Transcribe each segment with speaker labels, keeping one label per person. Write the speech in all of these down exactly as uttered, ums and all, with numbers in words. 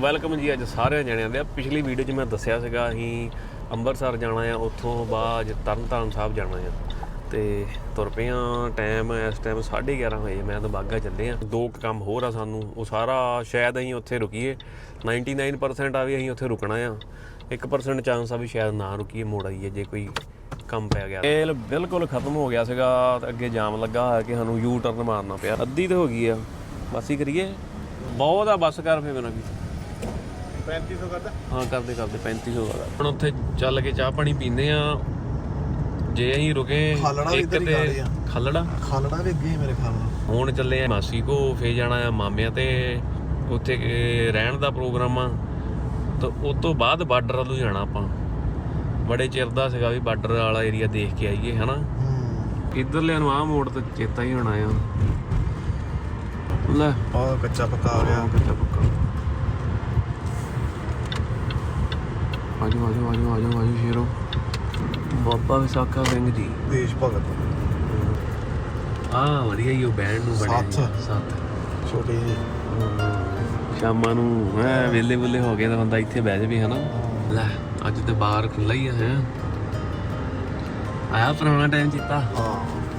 Speaker 1: Welcome ਜੀ ਅੱਜ ਸਾਰਿਆਂ ਜਣਿਆਂ ਦੇ। ਪਿਛਲੀ ਵੀਡੀਓ 'ਚ ਮੈਂ ਦੱਸਿਆ ਸੀਗਾ ਅਸੀਂ ਅੰਮ੍ਰਿਤਸਰ ਜਾਣਾ ਆ, ਉੱਥੋਂ ਬਾਅਦ ਤਰਨ ਤਾਰਨ ਸਾਹਿਬ ਜਾਣਾ ਆ ਤੇ ਤੁਰ ਪਏ ਹਾਂ। ਟਾਈਮ ਇਸ ਟਾਈਮ ਸਾਢੇ ਗਿਆਰਾਂ ਵਜੇ। ਮੈਂ ਤਾਂ ਬਾਘਾ ਚੱਲੇ ਹਾਂ। ਦੋ ਕੁ ਕੰਮ ਹੋਰ ਆ ਸਾਨੂੰ, ਉਹ ਸਾਰਾ ਸ਼ਾਇਦ ਅਸੀਂ ਉੱਥੇ ਰੁਕੀਏ। ਨਾਈਨਟੀ ਨਾਈਨ ਪਰਸੈਂਟ ਆ ਵੀ ਅਸੀਂ ਉੱਥੇ ਰੁਕਣਾ ਆ, ਇੱਕ ਪਰਸੈਂਟ ਚਾਂਸ ਆ ਵੀ ਸ਼ਾਇਦ ਨਾ ਰੁਕੀਏ, ਮੋੜ ਆਈਏ ਜੇ ਕੋਈ ਕੰਮ ਪੈ ਗਿਆ। ਤੇਲ ਬਿਲਕੁਲ ਖਤਮ ਹੋ ਗਿਆ ਸੀਗਾ, ਅੱਗੇ ਜਾਮ ਲੱਗਾ ਹੋਇਆ ਕਿ ਸਾਨੂੰ ਯੂ ਟਰਨ ਮਾਰਨਾ ਪਿਆ। ਅੱਧੀ ਤਾਂ ਹੋ ਗਈ ਆ, ਬਸ ਹੀ ਕਰੀਏ। ਬਹੁਤ ਆ, ਬੱਸ ਕਰ ਫੇ ਮੈਨੂੰ ਵੀ
Speaker 2: ਪੈਂਤੀ ਸੌ ਕਰਦਾ।
Speaker 1: ਹਾਂ ਕਰਦੇ ਕਰਦੇ ਪੈਂਤੀ ਸੌ ਦਾ। ਹੁਣ ਉੱਥੇ ਚੱਲ ਕੇ ਚਾਹ ਪਾਣੀ ਪੀਂਦੇ ਆ। ਜੇ ਅਸੀਂ ਰੁਕੇ ਇੱਕ ਤੇ ਖਾਲੜਾ
Speaker 2: ਖਾਲੜਾ ਵੀ ਅੱਗੇ ਮੇਰੇ ਖਿਆਲ ਨਾਲ।
Speaker 1: ਹੁਣ ਚੱਲੇ ਆ ਮਾਸੀ ਕੋ, ਫੇਰ ਜਾਣਾ ਆ ਮਾਮਿਆਂ ਤੇ, ਉੱਥੇ ਰਹਿਣ ਦਾ ਪ੍ਰੋਗਰਾਮ ਆ। ਤਾਂ ਉਸ ਤੋਂ ਬਾਅਦ ਬਾਰਡਰ ਵੱਲੋਂ ਜਾਣਾ ਆਪਾਂ। ਬੜੇ ਚਿਰ ਦਾ ਸੀਗਾ ਵੀ ਬਾਰਡਰ ਵਾਲਾ ਏਰੀਆ ਦੇਖ ਕੇ ਆਈਏ ਹਨਾ। ਇੱਧਰਲੇ ਨੂੰ ਆਹ ਮੋੜ ਤੇ ਚੇਤਾ ਹੀ ਹੋਣਾ ਆ। ਲੈ
Speaker 2: ਉਹ ਕੱਚਾ ਪੱਕਾ ਆ ਗਿਆ।
Speaker 1: ਕੱਚਾ ਪੱਕਾ। ਆਜੋ ਆਜੋ ਆਜੋ ਆਜੋ ਆਜੋ ਸ਼ੇਰੋ। ਬਾਬਾ ਵਿਸਾਖਾ ਸਿੰਘ ਜੀ
Speaker 2: ਦੇਸ਼ ਭਗਤ।
Speaker 1: ਆਹ ਵਧੀਆ ਹੀ ਉਹ ਬੈਂਡ ਨੂੰ ਬਣਿਆ ਸੱਤ
Speaker 2: ਛੋਟੇ ਜਿਹੇ।
Speaker 1: ਸ਼ਾਮਾਂ ਨੂੰ ਐ ਵੇਲੇ ਵੇਲੇ ਹੋ ਗਏ ਤਾਂ ਬੰਦਾ ਇੱਥੇ ਬਹਿ ਜਾਵੇ ਹਨਾ। ਲੈ ਅੱਜ ਤੇ ਬਾਹਰ ਖੁੱਲ੍ਹਾ ਹੀ ਆ ਹੈ। ਆਇਆ ਪੁਰਾਣਾ ਟਾਈਮ ਚੇਤਾ।
Speaker 2: ਹਾਂ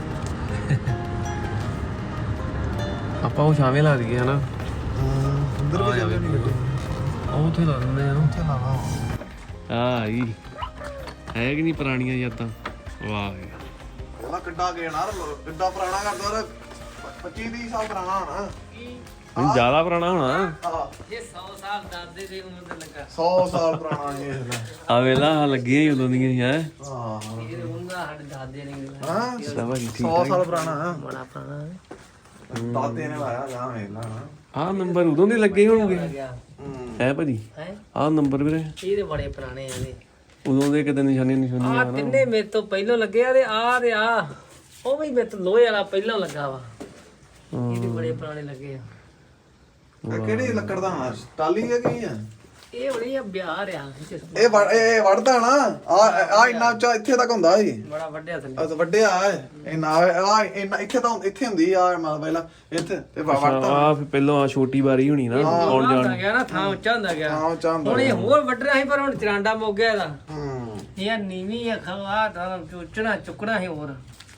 Speaker 1: ਆਪਾਂ ਉਹ ਛਾਵੇਂ ਲਾ ਦਈਏ ਹਨਾ।
Speaker 2: ਅੰਦਰ ਵੀ ਜਾਂਦੇ ਨਹੀਂ ਗੱਡੀ।
Speaker 1: ਉਹ ਉੱਥੇ ਲਾ ਦਿੰਦੇ ਆ।
Speaker 2: ਉੱਥੇ ਲਾਵਾ
Speaker 1: ਆਹ ਹੀ ਹੈ ਕਿ ਨਹੀਂ ਪੁਰਾਣੀਆਂ ਯਾਦਾਂ। ਵਾਹ
Speaker 2: ਉਹਦਾ ਕਿੱਡਾ ਗੇਣਾ ਕਿੱਡਾ ਪੁਰਾਣਾ ਕਰਦਾ। ਪੱਚੀ ਤੀਹ ਸਾਲ ਪੁਰਾਣਾ ਹੋਣਾ।
Speaker 1: ਨਹੀਂ ਜ਼ਿਆਦਾ ਪੁਰਾਣਾ ਹੋਣਾ।
Speaker 2: ਹਾਂ
Speaker 3: ਇਹ ਸੌ ਸਾਲ ਦਾਦੇ ਦੀ ਉਮਰ ਤੇ ਲੱਗਾ।
Speaker 2: ਸੌ ਸਾਲ ਪੁਰਾਣਾ ਇਹ।
Speaker 1: ਆ ਵੇਲਾ ਲੱਗੀਆਂ ਹੀ ਉਦੋਂ ਦੀਆਂ ਹੀ ਹੈ।
Speaker 2: ਹਾਂ
Speaker 3: ਇਹ ਹੁੰਦਾ ਸਾਡੇ ਦਾਦੇ ਨੇ
Speaker 2: ਹਾਂ
Speaker 1: ਠੀਕ
Speaker 2: ਸੌ ਸਾਲ ਪੁਰਾਣਾ।
Speaker 3: ਬੜਾ ਪੁਰਾਣਾ
Speaker 2: ਦਾਦੇ ਨੇ ਲਾਇਆ ਜਾਂ ਵੇਲਾ।
Speaker 1: ਆਹ ਨੰਬਰ ਉਦੋਂ ਦੇ ਲੱਗੇ ਹੋਣਗੇ ਹੈ ਭਾਜੀ।
Speaker 3: ਹੈ
Speaker 1: ਆਹ ਨੰਬਰ ਵੀਰੇ
Speaker 3: ਇਹ ਤੇ ਬੜੇ ਪੁਰਾਣੇ ਆ ਨੇ।
Speaker 1: ਉਦੋਂ ਦੇ ਕਿਤੇ ਨਿਸ਼ਾਨੀਆਂ ਨਿਸ਼ਾਨੀਆਂ
Speaker 3: ਆ ਤਿੰਨੇ ਮੇਰੇ ਤੋਂ ਪਹਿਲਾਂ ਲੱਗੇ ਆ ਤੇ ਆ ਤੇ ਆ ਉਹ ਵੀ ਮੇਰੇ ਤੋਂ ਲੋਹੇ ਵਾਲਾ ਪਹਿਲਾਂ ਲੱਗਾ ਵਾ। ਇਹ ਵੀ ਬੜੇ ਪੁਰਾਣੇ ਲੱਗੇ ਆ।
Speaker 2: ਇਹ ਕਿਹੜੀ ਲੱਕੜ ਦਾ ਹੋਣਾ? ਟਾਲੀ ਹੈ ਕੀ ਹੈ?
Speaker 3: ਇਹ ਹੋਣੀ ਆ ਬਿਹਾਰ ਆ।
Speaker 2: ਇਹ ਵੜ ਇਹ ਵੜਦਾ ਨਾ ਆ ਆ ਇੰਨਾ ਉੱਚਾ ਇੱਥੇ ਤੱਕ ਹੁੰਦਾ ਜੀ।
Speaker 3: ਬੜਾ ਵੱਡਿਆ ਥੱਲੇ।
Speaker 2: ਆ ਤਾਂ ਵੱਡਿਆ ਹੈ ਇੰਨਾ ਆ ਇੰਨਾ ਇੱਥੇ ਤਾਂ ਇੱਥੇ ਹੁੰਦੀ ਆ ਮਤਲਬ ਪਹਿਲਾਂ ਇੱਥੇ ਤੇ ਵੜਦਾ।
Speaker 1: ਆਹ ਫਿਰ ਪਹਿਲਾਂ ਆ ਛੋਟੀ ਬਾਰੀ ਹੋਣੀ ਨਾ ਆਉਣ ਜਾਣ।
Speaker 3: ਹੁੰਦਾ ਗਿਆ ਨਾ, ਥਾਂ ਉੱਚਾ ਹੁੰਦਾ ਗਿਆ।
Speaker 2: ਹਾਂ ਚਾਹੁੰਦਾ
Speaker 3: ਹੁਣ ਇਹ ਹੋਰ ਵੱਡਣਾ ਸੀ ਪਰ ਹੁਣ ਚਰਾਂਡਾ ਮੁੱਕ ਗਿਆ ਇਹਦਾ।
Speaker 2: ਹੂੰ
Speaker 3: ਇਹ ਨੀਵੀਂ ਆ ਖਵਾ ਤਾਂ ਚੁੱਚਣਾ ਚੁੱਕਣਾ ਸੀ ਹੋਰ।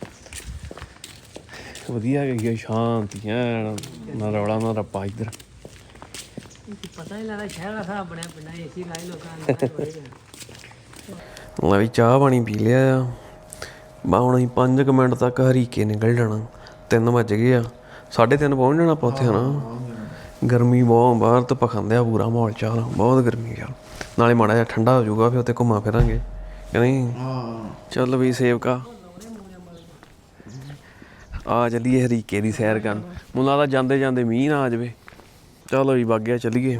Speaker 1: ਵਧੀਆ ਗਈ ਸ਼ਾਂਤੀ ਐਨ, ਨਾ ਰੌਲਾ ਨਾ ਰੱਪਾ ਇੱਧਰ।
Speaker 3: ਪਤਾ ਨਹੀਂ ਲੱਗਦਾ ਸ਼ਹਿਰ ਦਾ ਹਿਸਾਬ ਬਣਿਆ ਪਿੰਡਾਂ ਏਸੀ ਲਾਈ ਲੋਕਾਂ ਨੇ।
Speaker 1: ਮੈਂ ਵੀ ਚਾਹ ਪਾਣੀ ਪੀ ਲਿਆ ਆ। ਬਾ ਹੁਣ ਅਸੀਂ ਪੰਜ ਕੁ ਮਿੰਟ ਤੱਕ ਹਰੀਕੇ ਨਿਕਲ ਜਾਣਾ। ਤਿੰਨ ਵੱਜ ਗਏ ਆ, ਸਾਢੇ ਤਿੰਨ ਪਹੁੰਚ ਜਾਣਾ ਆਪਾਂ ਉੱਥੇ ਹਨਾ। ਗਰਮੀ ਬਹੁਤ ਬਾਹਰ ਤਾਂ ਪਖੰਦਿਆ ਪੂਰਾ ਮਾਹੌਲ ਚਾਲ, ਬਹੁਤ ਗਰਮੀ ਆ। ਨਾਲੇ ਮਾੜਾ ਜਿਹਾ ਠੰਡਾ ਹੋ ਜਾਊਗਾ, ਫਿਰ ਉੱਥੇ ਘੁੰਮਾ ਫਿਰਾਂਗੇ ਕਿ ਨਹੀਂ। ਚੱਲ ਵੀ ਸੇਵਕਾ ਆ ਚੱਲੀਏ ਹਰੀਕੇ ਦੀ ਸੈਰ ਕਰਨ। ਮੈਨੂੰ ਲੱਗਦਾ ਜਾਂਦੇ ਜਾਂਦੇ ਮੀਂਹ ਨਾ ਆ ਜਾਵੇ। ਚਲੋ ਵੀ ਬਾਗਿਆ ਚੱਲੀਏ।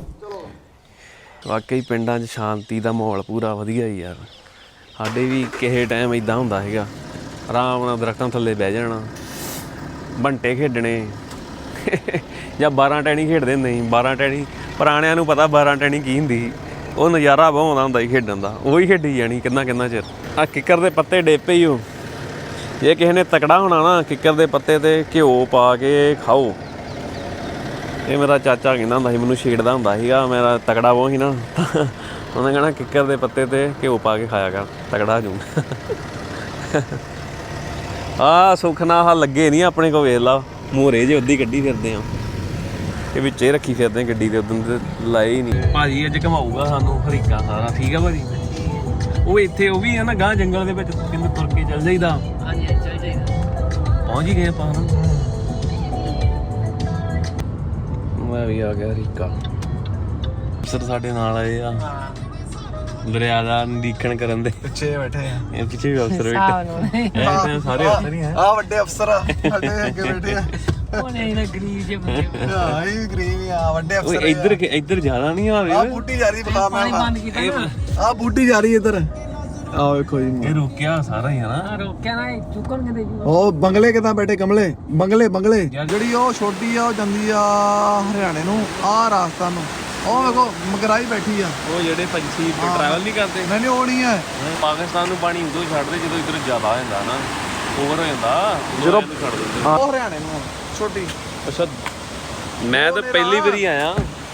Speaker 1: ਵਾਕਈ ਪਿੰਡਾਂ 'ਚ ਸ਼ਾਂਤੀ ਦਾ ਮਾਹੌਲ ਪੂਰਾ ਵਧੀਆ ਹੀ ਯਾਰ। ਸਾਡੇ ਵੀ ਕਿਸੇ ਟਾਈਮ ਇੱਦਾਂ ਹੁੰਦਾ ਸੀਗਾ, ਆਰਾਮ ਨਾਲ ਦਰਖਤਾਂ ਥੱਲੇ ਬਹਿ ਜਾਣਾ, ਬੰਟੇ ਖੇਡਣੇ ਜਾਂ ਬਾਰਾਂ ਟੈਣੀ ਖੇਡਦੇ ਹੁੰਦੇ ਸੀ। ਬਾਰਾਂ ਟੈਣੀ ਪੁਰਾਣਿਆਂ ਨੂੰ ਪਤਾ ਬਾਰਾਂ ਟੈਣੀ ਕੀ ਹੁੰਦੀ ਸੀ। ਉਹ ਨਜ਼ਾਰਾ ਬਹੁਤ ਆਉਂਦਾ ਹੁੰਦਾ ਸੀ ਖੇਡਣ ਦਾ, ਉਹੀ ਖੇਡੀ ਜਾਣੀ ਕਿੰਨਾ ਕਿੰਨਾ ਚਿਰ। ਆਹ ਕਿੱਕਰ ਦੇ ਪੱਤੇ ਡੇਪੇ ਹੀ ਉਹ। ਜੇ ਕਿਸੇ ਨੇ ਤਕੜਾ ਹੋਣਾ ਨਾ, ਕਿੱਕਰ ਦੇ ਪੱਤੇ 'ਤੇ ਘਿਓ ਪਾ ਕੇ ਖਾਓ। ਇਹ ਮੇਰਾ ਚਾਚਾ ਕਹਿੰਦਾ ਹੁੰਦਾ ਸੀ, ਮੈਨੂੰ ਛੇੜਦਾ ਹੁੰਦਾ ਸੀਗਾ, ਮੇਰਾ ਤਕੜਾ ਉਹ ਸੀ ਨਾ। ਉਹਨੇ ਕਹਿਣਾ ਕਿੱਕਰ ਦੇ ਪੱਤੇ 'ਤੇ ਘਿਓ ਪਾ ਕੇ ਖਾਇਆ ਕਰ, ਤਕੜਾ ਜੂ। ਆਹ ਸੁੱਖ ਨਾਲ ਆਹ ਲੱਗੇ ਨਹੀਂ ਆਪਣੇ ਕੋਲ, ਵੇਖ ਲਾ ਮੋਹਰੇ ਜੇ ਉੱਦੀ ਕੱਢੀ ਫਿਰਦੇ ਆ। ਇਹ ਵਿੱਚੇ ਰੱਖੀ ਫਿਰਦੇ ਗੱਡੀ ਦੇ, ਉਦੋਂ ਤੇ ਲਾਏ ਹੀ ਨਹੀਂ। ਭਾਜੀ ਅੱਜ ਘਮਾਊਗਾ ਸਾਨੂੰ ਹਰੀਕਾ ਸਾਰਾ। ਠੀਕ ਆ ਭਾਜੀ। ਉਹ ਇੱਥੇ ਉਹ ਵੀ ਹੈ ਨਾ ਗਾਂ ਜੰਗਲ ਦੇ ਵਿੱਚ, ਕਿੰਨੇ ਤੁਰ ਕੇ ਚੱਲ ਜਾਈਦਾ।
Speaker 3: ਹਾਂਜੀ ਚੱਲ ਜਾਈਦਾ।
Speaker 1: ਪਹੁੰਚ ਹੀ ਗਏ ਆਪਾਂ ਹਨਾ। ਮੈਂ ਵੀ ਆ ਗਿਆ ਹਰੀਕਾ। ਅਫਸਰ ਸਾਡੇ ਨਾਲ ਆਏ ਆ ਦਰਿਆ ਦਾ ਨਿਰੀਖਣ ਕਰਨ ਦੇ।
Speaker 2: ਪਿੱਛੇ ਬੈਠੇ ਆ।
Speaker 1: ਇਹ ਪਿੱਛੇ ਵੀ ਅਫਸਰ ਬੈਠੇ ਸਾਰੇ ਅਫਸਰ ਹੀ ਆ।
Speaker 2: ਆ ਵੱਡੇ ਅਫਸਰ ਆ ਸਾਡੇ ਅੱਗੇ ਬੈਠੇ ਆ।
Speaker 3: ਉਹਨੇ ਇਹਨਾਂ ਗਰੀਬ ਜਿਹੇ ਬੰਦੇ
Speaker 2: ਹਾਂ ਇਹ ਵੀ ਗਰੀਬ ਆ, ਵੱਡੇ ਅਫਸਰ।
Speaker 1: ਇੱਧਰ ਇੱਧਰ ਜ਼ਿਆਦਾ ਨਹੀਂ ਆਵੇ।
Speaker 2: ਆ ਬੂਟੀ ਜਾ ਰਹੀ ਬਤਾ
Speaker 3: ਪਾਣੀ
Speaker 2: ਮੈਂ
Speaker 3: ਬੰਦ ਕੀਤਾ ਨਾ।
Speaker 2: ਆ ਬੂਟੀ ਜਾ ਰਹੀ ਇੱਧਰ। ਆ ਵੇਖੋ ਜੀ
Speaker 1: ਇਹ ਰੁਕਿਆ ਸਾਰਾ ਹੀ ਹਨਾ।
Speaker 3: ਆ ਰੋਕਿਆ ਨਾ, ਚੁੱਕਣ ਕਿਤੇ ਜੀ।
Speaker 2: ਉਹ ਬੰਗਲੇ ਕਿਦਾਂ ਬੈਠੇ ਕਮਲੇ ਬੰਗਲੇ ਬੰਗਲੇ। ਜਿਹੜੀ ਉਹ ਛੋਟੀ ਆ ਉਹ ਜਾਂਦੀ ਆ ਹਰਿਆਣੇ ਨੂੰ, ਆ ਰਾਜਸਥਾਨ ਨੂੰ। ਉਹ ਵੇਖੋ ਮਗਰਾਈ ਬੈਠੀ ਆ।
Speaker 1: ਉਹ ਜਿਹੜੇ ਪੰਛੀ ਟਰੈਵਲ ਨਹੀਂ ਕਰਦੇ।
Speaker 2: ਨਹੀਂ ਉਹ ਨਹੀਂ ਹੈ।
Speaker 1: ਪਾਕਿਸਤਾਨ ਨੂੰ ਪਾਣੀ ਉਦੋਂ ਛੱਡਦੇ ਜਦੋਂ ਇੱਧਰ ਜ਼ਿਆਦਾ ਹੋ ਜਾਂਦਾ ਨਾ, ਓਵਰ ਹੋ ਜਾਂਦਾ,
Speaker 2: ਜਦੋਂ
Speaker 1: ਛੱਡ ਦਿੰਦੇ।
Speaker 2: ਉਹ ਹਰਿਆਣੇ ਨੂੰ ਛੋਟੀ।
Speaker 1: ਅੱਛਾ ਮੈਂ ਤਾਂ ਪਹਿਲੀ ਵਾਰੀ ਆਇਆ।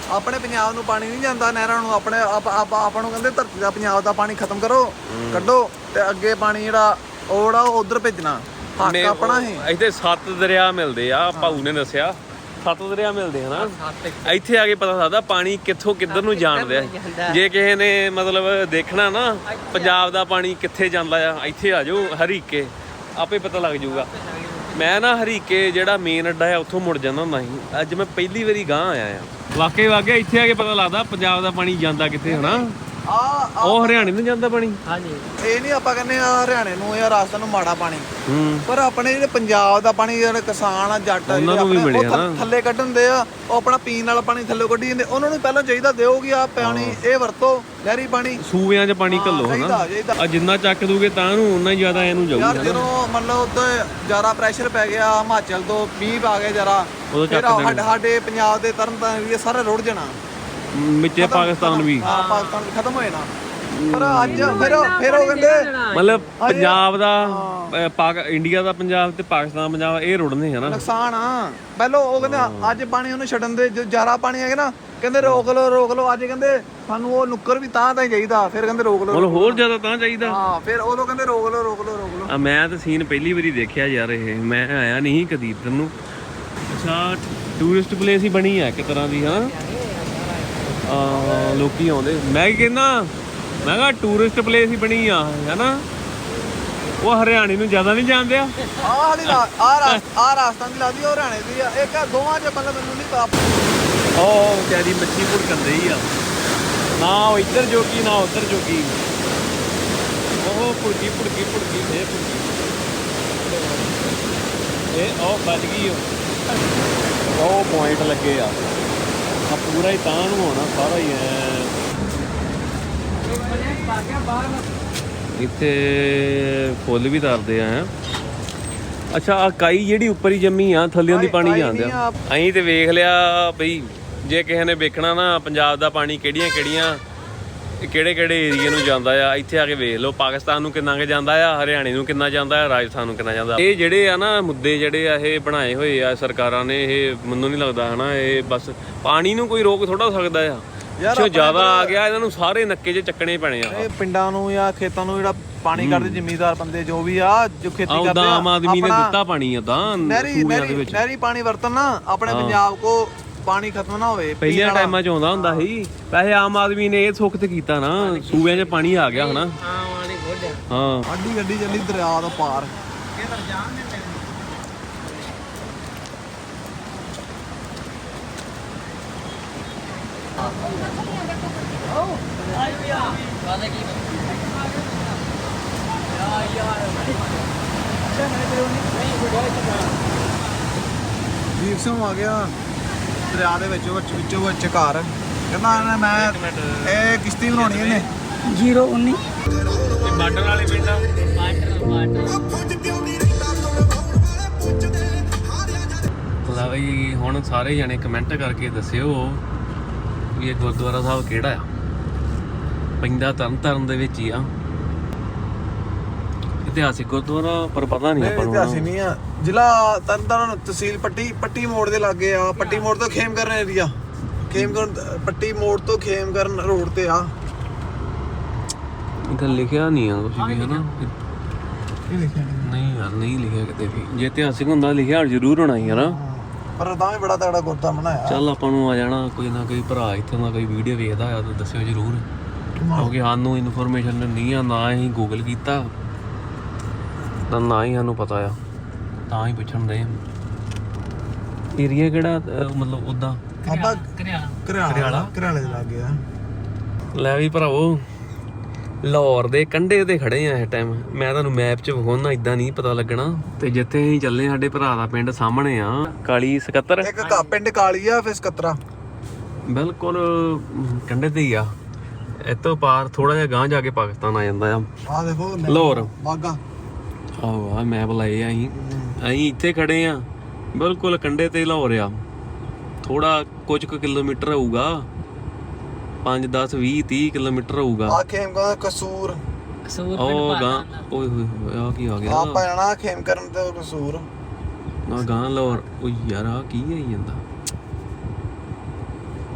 Speaker 2: ਆਪਣੇ ਪੰਜਾਬ ਨੂੰ ਪਾਣੀ ਨਹੀਂ ਜਾਂਦਾ ਨਹਿਰਾਂ ਨੂੰ, ਆਪਣੇ ਆਪ- ਆਪ- ਆਪਾਂ ਨੂੰ ਕਹਿੰਦੇ ਧਰਤੀ ਦਾ ਪੰਜਾਬ ਦਾ ਪਾਣੀ ਖਤਮ ਕਰੋ, ਕੱਢੋ ਤੇ ਅੱਗੇ ਪਾਣੀ ਜਿਹੜਾ ਉਹ ਜਿਹੜਾ ਉਹ ਉਧਰ ਭੇਜਣਾ। ਹੱਕ ਆਪਣਾ ਹੀ।
Speaker 1: ਇੱਥੇ ਸੱਤ ਦਰਿਆ ਮਿਲਦੇ ਆ, ਭਾਊ ਨੇ ਦੱਸਿਆ ਸੱਤ ਦਰਿਆ ਮਿਲਦੇ ਹਨਾ। ਇੱਥੇ ਆ ਕੇ ਪਤਾ ਲੱਗਦਾ ਪਾਣੀ ਕਿੱਥੋਂ ਕਿੱਧਰ ਨੂੰ ਜਾਣਦਾ। ਜੇ ਕਿਸੇ ਨੇ ਮਤਲਬ ਦੇਖਣਾ ਨਾ ਪੰਜਾਬ ਦਾ ਪਾਣੀ ਕਿੱਥੇ ਜਾਂਦਾ ਆ, ਇੱਥੇ ਆ ਜਾਓ ਹਰੀਕੇ, ਆਪੇ ਪਤਾ ਲੱਗ ਜਾਊਗਾ। ਮੈਂ ਨਾ ਹਰੀਕੇ ਜਿਹੜਾ ਮੇਨ ਅੱਡਾ ਆ ਉੱਥੋਂ ਮੁੜ ਜਾਂਦਾ ਹੁੰਦਾ ਸੀ, ਅੱਜ ਮੈਂ ਪਹਿਲੀ ਵਾਰੀ ਗਾਂ ਆਇਆ ਆ। ਵਾਕਈ ਵਾਕਈ ਇੱਥੇ ਆ ਕੇ ਪਤਾ ਲੱਗਦਾ ਪੰਜਾਬ ਦਾ ਪਾਣੀ ਜਾਂਦਾ ਕਿੱਥੇ ਹਨਾ।
Speaker 2: ਆ
Speaker 1: ਉਹ ਹਰਿਆਣੇ ਨੂੰ ਜਾਂਦਾ ਪਾਣੀ।
Speaker 3: ਹਾਂਜੀ
Speaker 2: ਇਹ ਨਹੀਂ ਆਪਾਂ ਕਹਿੰਦੇ ਆ ਹਰਿਆਣੇ ਨੂੰ ਜਾਂ ਰਾਜਸਥਾਨ ਨੂੰ ਮਾੜਾ ਪਾਣੀ,
Speaker 1: ਹੂੰ
Speaker 2: ਪਰ ਆਪਣੇ ਜਿਹੜੇ ਪੰਜਾਬ ਦਾ ਪਾਣੀ ਜਿਹੜੇ ਕਿਸਾਨ ਆ ਜੱਟ ਆ
Speaker 1: ਉਹਨਾਂ ਨੂੰ ਵੀ
Speaker 2: ਆਪਣੇ, ਉਹ
Speaker 1: ਮਿਲਿਆ
Speaker 2: ਥ-
Speaker 1: ਨਾ।
Speaker 2: ਥੱਲੇ ਕੱਢਣ ਦੇ ਆ, ਉਹ ਆਪਣਾ ਪੀਣ ਵਾਲਾ ਪਾਣੀ ਥੱਲੇ ਕੱਢੀ ਜਾਂਦੇ। ਉਹਨਾਂ ਨੂੰ ਪਹਿਲਾਂ ਚਾਹੀਦਾ ਦਿਓ ਕਿ ਆ ਪਾਣੀ ਇਹ ਵਰਤੋ, ਨਹਿਰੀ ਪਾਣੀ
Speaker 1: ਸੂਬਿਆਂ 'ਚ ਪਾਣੀ ਘੱਲੋ ਹਨਾ।
Speaker 2: ਚਾਹੀਦਾ ਚਾਹੀਦਾ
Speaker 1: ਆ ਜਿੰਨਾ ਚੱਕ ਦੂਗੇ ਤਾਂ ਨੂੰ ਉਨਾ ਹੀ ਜ਼ਿਆਦਾ ਇਹਨੂੰ
Speaker 2: ਯਾਰ।
Speaker 1: ਜਾਊਗਾ।
Speaker 2: ਜਦੋਂ ਮਤਲਬ ਉੱਤੇ ਜ਼ਿਆਦਾ ਪ੍ਰੈਸ਼ਰ ਪੈ ਗਿਆ ਹਿਮਾਚਲ ਤੋਂ, ਮੀਂਹ ਆ ਗਿਆ ਜਰਾ,
Speaker 1: ਉਦੋਂ
Speaker 2: ਫਿਰ
Speaker 1: ਚੱਕ ਦੇਣੇ।
Speaker 2: ਸਾਡੇ ਸਾਡੇ ਪੰਜਾਬ ਦੇ ਤਰਨ ਤਾਰਨ ਏਰੀਆ ਸਾਰਾ ਰੁੜ ਜਾਣਾ।
Speaker 1: ਮਿੱਚੇ ਪਾਕਿਸਤਾਨ ਵੀ
Speaker 2: ਹਾਂ ਪਾਕਿਸਤਾਨ ਵੀ ਖਤਮ ਹੋ ਜਾਣਾ। ਪਰ ਅੱਜ ਫਿਰ ਫਿਰ ਉਹ ਕਹਿੰਦੇ
Speaker 1: ਮਤਲਬ ਪੰਜਾਬ ਦਾ ਅਹ, ਪਾਕ ਇੰਡੀਆ ਦਾ ਪੰਜਾਬ ਤੇ ਪਾਕਿਸਤਾਨ ਦਾ ਪੰਜਾਬ ਇਹ ਰੁੜਨੇ ਹਨਾ।
Speaker 2: ਨੁਕਸਾਨ ਆ। ਪਹਿਲਾਂ ਉਹ ਕਹਿੰਦੇ ਅੱਜ ਪਾਣੀ ਉਹਨੂੰ ਛੱਡਣ ਦੇ, ਜੋ ਜ਼ਿਆਦਾ ਪਾਣੀ ਹੈਗਾ ਨਾ ਕਹਿੰਦੇ ਰੋਕ ਲਓ ਰੋਕ ਲਓ। ਅੱਜ ਕਹਿੰਦੇ ਸਾਨੂੰ ਉਹ ਨੁੱਕਰ ਵੀ ਤਾਂ ਤਾਂ ਹੀ ਚਾਹੀਦਾ, ਫਿਰ ਕਹਿੰਦੇ ਰੋਕ ਲਓ।
Speaker 1: ਮਤਲਬ ਹੋਰ ਜ਼ਿਆਦਾ ਤਾਂ ਚਾਹੀਦਾ।
Speaker 2: ਹਾਂ ਫਿਰ ਉਦੋਂ ਕਹਿੰਦੇ ਰੋਕ ਲਓ ਰੋਕ ਲਓ ਰੋਕ ਲਓ।
Speaker 1: ਆ ਮੈਂ ਤਾਂ ਸੀਨ ਪਹਿਲੀ ਵਾਰੀ ਦੇਖਿਆ ਯਾਰ, ਇਹ ਮੈਂ ਆਇਆ ਨਹੀਂ ਕਦੀ ਇੱਧਰ ਨੂੰ। ਅੱਛਾ ਟੂਰਿਸਟ ਪਲੇਸ ਹੀ ਬਣੀ ਆ ਇੱਕ ਤਰ੍ਹਾਂ ਦੀ ਹਨਾ। ਆ ਲੋਕੀ ਆਉਂਦੇ, ਮੈਂ ਕੀ ਕਹਿੰਦਾ ਮੈਂ ਕਿਹਾ ਟੂਰਿਸਟ ਪਲੇਸ ਹੀ ਬਣੀ ਆ ਹਨਾ। ਉਹ ਹਰਿਆਣੇ ਨੂੰ ਜ਼ਿਆਦਾ ਨਹੀਂ ਜਾਣਦੇ ਆ।
Speaker 2: ਆਹ ਵਾਲੀ ਆ ਆ ਰਾਜਸਥਾਨ ਦੀ ਲੱਗਦੀ, ਉਹ ਹਰਿਆਣੇ ਦੀ ਆ। ਇੱਕ ਆ ਦੋਵਾਂ ਚ ਮਤਲਬ ਮੈਨੂੰ ਨਹੀਂ ਪਤਾ।
Speaker 1: ਉਹ ਵਿਚਾਰੀ ਮੱਛੀ ਭੁੜਕੰਦੇ ਹੀ ਆ, ਨਾ ਉਹ ਇੱਧਰ ਜੋਗੀ ਨਾ ਉੱਧਰ ਜੋਗੀ। ਉਹ ਭੁੜਕੀ ਭੁੜਕੀ ਭੁੜਕੀ ਫੇਰ ਭੁੜਕੀ। ਇਹ ਉਹ ਵੱਜ ਗਈ ਉਹ ਉਹ ਪੁਆਇੰਟ ਲੱਗੇ ਆ। ਆ ਪੂਰਾ ਹੀ ਤਾਂ ਨੂੰ ਹੋਣਾ ਸਾਰਾ ਹੀ ਐ। ਇੱਥੇ ਫੁੱਲ ਵੀ ਤਰਦੇ ਆ। ਅੱਛਾ ਆ ਕਾਈ ਜਿਹੜੀ ਉੱਪਰ ਹੀ ਜੰਮੀ ਆ, ਥੱਲਿਓਂ ਦੀ ਪਾਣੀ ਜਾਂਦੇ ਆ। ਅਸੀਂ ਤੇ ਵੇਖ ਲਿਆ ਬਈ, ਜੇ ਕਿਸੇ ਨੇ ਵੇਖਣਾ ਨਾ ਪੰਜਾਬ ਦਾ ਪਾਣੀ ਕਿਹੜੀਆਂ ਕਿਹੜੀਆਂ ਕਿਹੜੇ ਕਿਹੜੇ ਏਰੀਏ ਨੂੰ ਜਾਂਦਾ ਆ, ਇੱਥੇ ਆ ਕੇ ਵੇਖ ਲਓ। ਪਾਕਿਸਤਾਨ ਨੂੰ ਕਿੰਨਾ ਕੁ ਜਾਂਦਾ ਆ, ਹਰਿਆਣੇ ਨੂੰ ਕਿੰਨਾ ਜਾਂਦਾ ਆ, ਰਾਜਸਥਾਨ ਨੂੰ ਕਿੰਨਾ ਜਾਂਦਾ। ਇਹ ਜਿਹੜੇ ਆ ਨਾ ਮੁੱਦੇ ਜਿਹੜੇ ਆ ਇਹ ਬਣਾਏ ਹੋਏ ਆ ਸਰਕਾਰਾਂ ਨੇ, ਇਹ ਮੈਨੂੰ ਨਹੀਂ ਲੱਗਦਾ ਹਨਾ ਇਹ ਬਸ ਪਾਣੀ ਨੂੰ ਕੋਈ ਰੋਕ ਥੋੜਾ ਸਕਦਾ ਆ। ਜੋ ਜ਼ਿਆਦਾ ਆ ਗਿਆ ਇਹਨਾਂ ਨੂੰ ਸਾਰੇ ਨੱਕੇ 'ਚ ਚੱਕਣੇ ਪੈਣੇ ਆ।
Speaker 2: ਇਹ ਪਿੰਡਾਂ ਨੂੰ ਜਾਂ ਖੇਤਾਂ ਨੂੰ ਜਿਹੜਾ ਪਾਣੀ ਕੱਢਦੇ ਜ਼ਿਮੀਂਦਾਰ ਬੰਦੇ ਜੋ ਵੀ ਆ, ਜੋ ਖੇਤੀ ਕਰਦੇ
Speaker 1: ਉਦਾਂ
Speaker 2: ਆ,
Speaker 1: ਆਮ ਆਦਮੀ ਨੇ ਦਿੱਤਾ ਪਾਣੀ ਆ ਤਾਂ
Speaker 2: ਨਹਿਰੀ
Speaker 1: ਸੂਬਿਆਂ ਦੇ
Speaker 2: ਨਹਿਰੀ
Speaker 1: ਵਿੱਚ।
Speaker 2: ਨਹਿਰੀ ਪਾਣੀ ਵਰਤਣ ਨਾ ਆਪਣੇ ਪੰਜਾਬ ਕੋ ਪਾਣੀ ਖਤਮ ਨਾ ਹੋਵੇ।
Speaker 1: ਪਹਿਲੇ ਟਾਈਮਾਂ 'ਚ ਆਉਂਦਾ ਹੁੰਦਾ ਸੀ, ਵੈਸੇ ਆਮ ਆਦਮੀ ਨੇ ਇਹ ਸੁੱਖ ਤੇ ਕੀਤਾ ਨਾ, ਸੂਬਿਆਂ 'ਚ ਪਾਣੀ ਆ ਗਿਆ ਹਨਾ।
Speaker 3: ਹਾਂ ਵਾਲੀ ਗੋਡਿਆ
Speaker 1: ਹਾਂ
Speaker 2: ਆਡੀ ਗੱਡੀ ਚੱਲੀ ਦਰਿਆ ਤੋਂ ਪਾਰ। ਵੀਰ ਸਿੰਘ ਆ ਗਿਆ ਦਰਿਆ ਦੇ ਵਿੱਚੋਂ ਵਿੱਚ ਵਿੱਚੋਂ ਵਿੱਚ ਘਰ। ਕਹਿੰਦਾ ਇਹਨੇ ਮੈਂ ਇਹ ਕਿਸ਼ਤੀ ਬਣਾਉਣੀ ਇਹਨੇ
Speaker 3: ਜ਼ੀਰੋ ਉੱਨੀ
Speaker 1: ਇਹ ਬਾਰਡਰ ਵਾਲੇ ਪਿੰਡ ਆ। ਲੈ ਬਈ ਹੁਣ ਸਾਰੇ ਜਣੇ ਕਮੈਂਟ ਕਰਕੇ ਦੱਸਿਓ ਵੀ ਇਹ ਗੁਰਦੁਆਰਾ ਸਾਹਿਬ ਕਿਹੜਾ ਆ। ਪੈਂਦਾ ਤਰਨ ਤਾਰਨ ਦੇ ਵਿੱਚ ਹੀ ਆ। ਇਤਿਹਾਸਿਕ ਗੁਰਦੁਆਰਾ ਪਰ ਪਤਾ ਨਹੀਂ ਆਪਾਂ ਨੂੰ।
Speaker 2: ਇਤਿਹਾਸਿਕ ਨਹੀਂ ਆ। ਜ਼ਿਲ੍ਹਾ ਤਰਨਤਾਰਨ, ਤਹਿਸੀਲ ਪੱਟੀ ਪੱਟੀ ਮੋੜ ਦੇ ਲਾਗੇ ਆ। ਪੱਟੀ ਮੋੜ ਤੋਂ ਖੇਮਕਰਨ ਏਰੀਆ, ਖੇਮਕਰਨ ਪੱਟੀ ਮੋੜ ਤੋਂ ਖੇਮਕਰਨ ਰੋਡ ਤੇ ਆ।
Speaker 1: ਇੱਥੇ ਲਿਖਿਆ ਨਹੀਂ ਆ ਕੁਝ ਵੀ ਹਨਾ।
Speaker 2: ਇਹ ਲਿਖਿਆ
Speaker 1: ਨਹੀਂ ਯਾਰ ਨਹੀਂ ਲਿਖਿਆ ਕਿਤੇ ਵੀ। ਜੇ ਇਤਿਹਾਸਿਕ ਹੁੰਦਾ ਲਿਖਿਆ ਜ਼ਰੂਰ ਹੋਣਾ ਹੀ ਹਨਾ।
Speaker 2: ਪਰ ਤਾਂ ਵੀ ਬੜਾ ਤਗੜਾ ਗੁਰਦਾ ਬਣਾਇਆ।
Speaker 1: ਚੱਲ ਆਪਾਂ ਨੂੰ ਆ ਜਾਣਾ ਕੋਈ ਨਾ ਕੋਈ ਭਰਾ ਇੱਥੇ ਦਾ ਕੋਈ ਵੀਡੀਓ ਵੇਖਦਾ ਆ ਤਾਂ ਦੱਸਿਓ ਜ਼ਰੂਰ, ਕਿਉਂਕਿ ਸਾਨੂੰ ਇਨਫੋਰਮੇਸ਼ਨ ਨਹੀਂ ਆ, ਨਾ ਅਸੀਂ ਗੂਗਲ ਕੀਤਾ ਤਾਂ ਨਾ ਹੀ ਸਾਨੂੰ ਪਤਾ ਆ, ਤਾਂ ਹੀ ਪੁੱਛਣ ਦੇ। ਏਰੀਆ ਕਿਹੜਾ ਅਹ ਮਤਲਬ ਉਦਾਂ
Speaker 2: ਆਪਾਂ
Speaker 3: ਕਰਿਆ
Speaker 2: ਘਰਿਆਲਾ ਘਰਿਆਲੇ ਦੇ ਲਾਗੇ ਆ।
Speaker 1: ਲੈ ਵੀ ਭਰਾਵੋ ਲਾਹੌਰ ਦੇ ਕੰਢੇ ਤੇ ਖੜੇ ਆ ਇਸ ਟਾਈਮ। ਮੈਂ ਤੁਹਾਨੂੰ ਮੈਪ 'ਚ ਵਿਖਾਉਣਾ, ਇਦਾਂ ਨਹੀਂ ਪਤਾ ਲੱਗਣਾ। ਤੇ ਜਿੱਥੇ ਅਸੀਂ ਚੱਲੇ ਸਾਡੇ ਭਰਾ ਦਾ ਪਿੰਡ ਸਾਹਮਣੇ ਆ, ਕਾਲੀ ਸਕੱਤਰ।
Speaker 2: ਇੱਕ ਘਾ ਪਿੰਡ ਕਾਲੀ ਆ, ਫਿਰ ਸਕੱਤਰਾ
Speaker 1: ਬਿਲਕੁਲ ਕੰਢੇ ਤੇ ਹੀ ਆ। ਇੱਥੋਂ ਪਾਰ ਥੋੜਾ ਜਿਹਾ ਗਾਂਹ ਜਾ ਕੇ ਪਾਕਿਸਤਾਨ ਆ ਜਾਂਦਾ ਆ।
Speaker 2: ਆ ਦੇਖੋ
Speaker 1: ਲਾਹੌਰ
Speaker 2: ਬਾਗਾ।
Speaker 1: ਆਹੋ ਆ ਮੈਪ ਲਾਏ ਆ ਅਸੀਂ। ਅਸੀਂ ਇੱਥੇ ਖੜੇ ਆ ਬਿਲਕੁਲ ਕੰਢੇ ਤੇ ਲਾਹੌਰ ਆ। ਥੋੜਾ ਕੁਝ ਕੁ ਕਿਲੋਮੀਟਰ ਹੋਊਗਾ, ਪੰਜ ਦਸ ਵੀਹ ਤੀਹ ਕਿਲੋਮੀਟਰ ਹੋਊਗਾ।
Speaker 2: ਆ ਖੇਮਕਰਨ ਕਸੂਰ।
Speaker 3: ਕਸੂਰ
Speaker 1: ਉਹ ਗਾਂ ਓਏ ਹੋਏ ਹੋਏ ਆ ਕੀ ਆ ਗਿਆ।
Speaker 2: ਆਪਾਂ ਜਾਣਾ ਖੇਮਕਰਨ ਤੇ ਕਸੂਰ।
Speaker 1: ਨਾ ਗਾਂ ਲਾਹੌਰ। ਉਹ ਯਾਰ ਆ ਕੀ ਆਈ ਜਾਂਦਾ।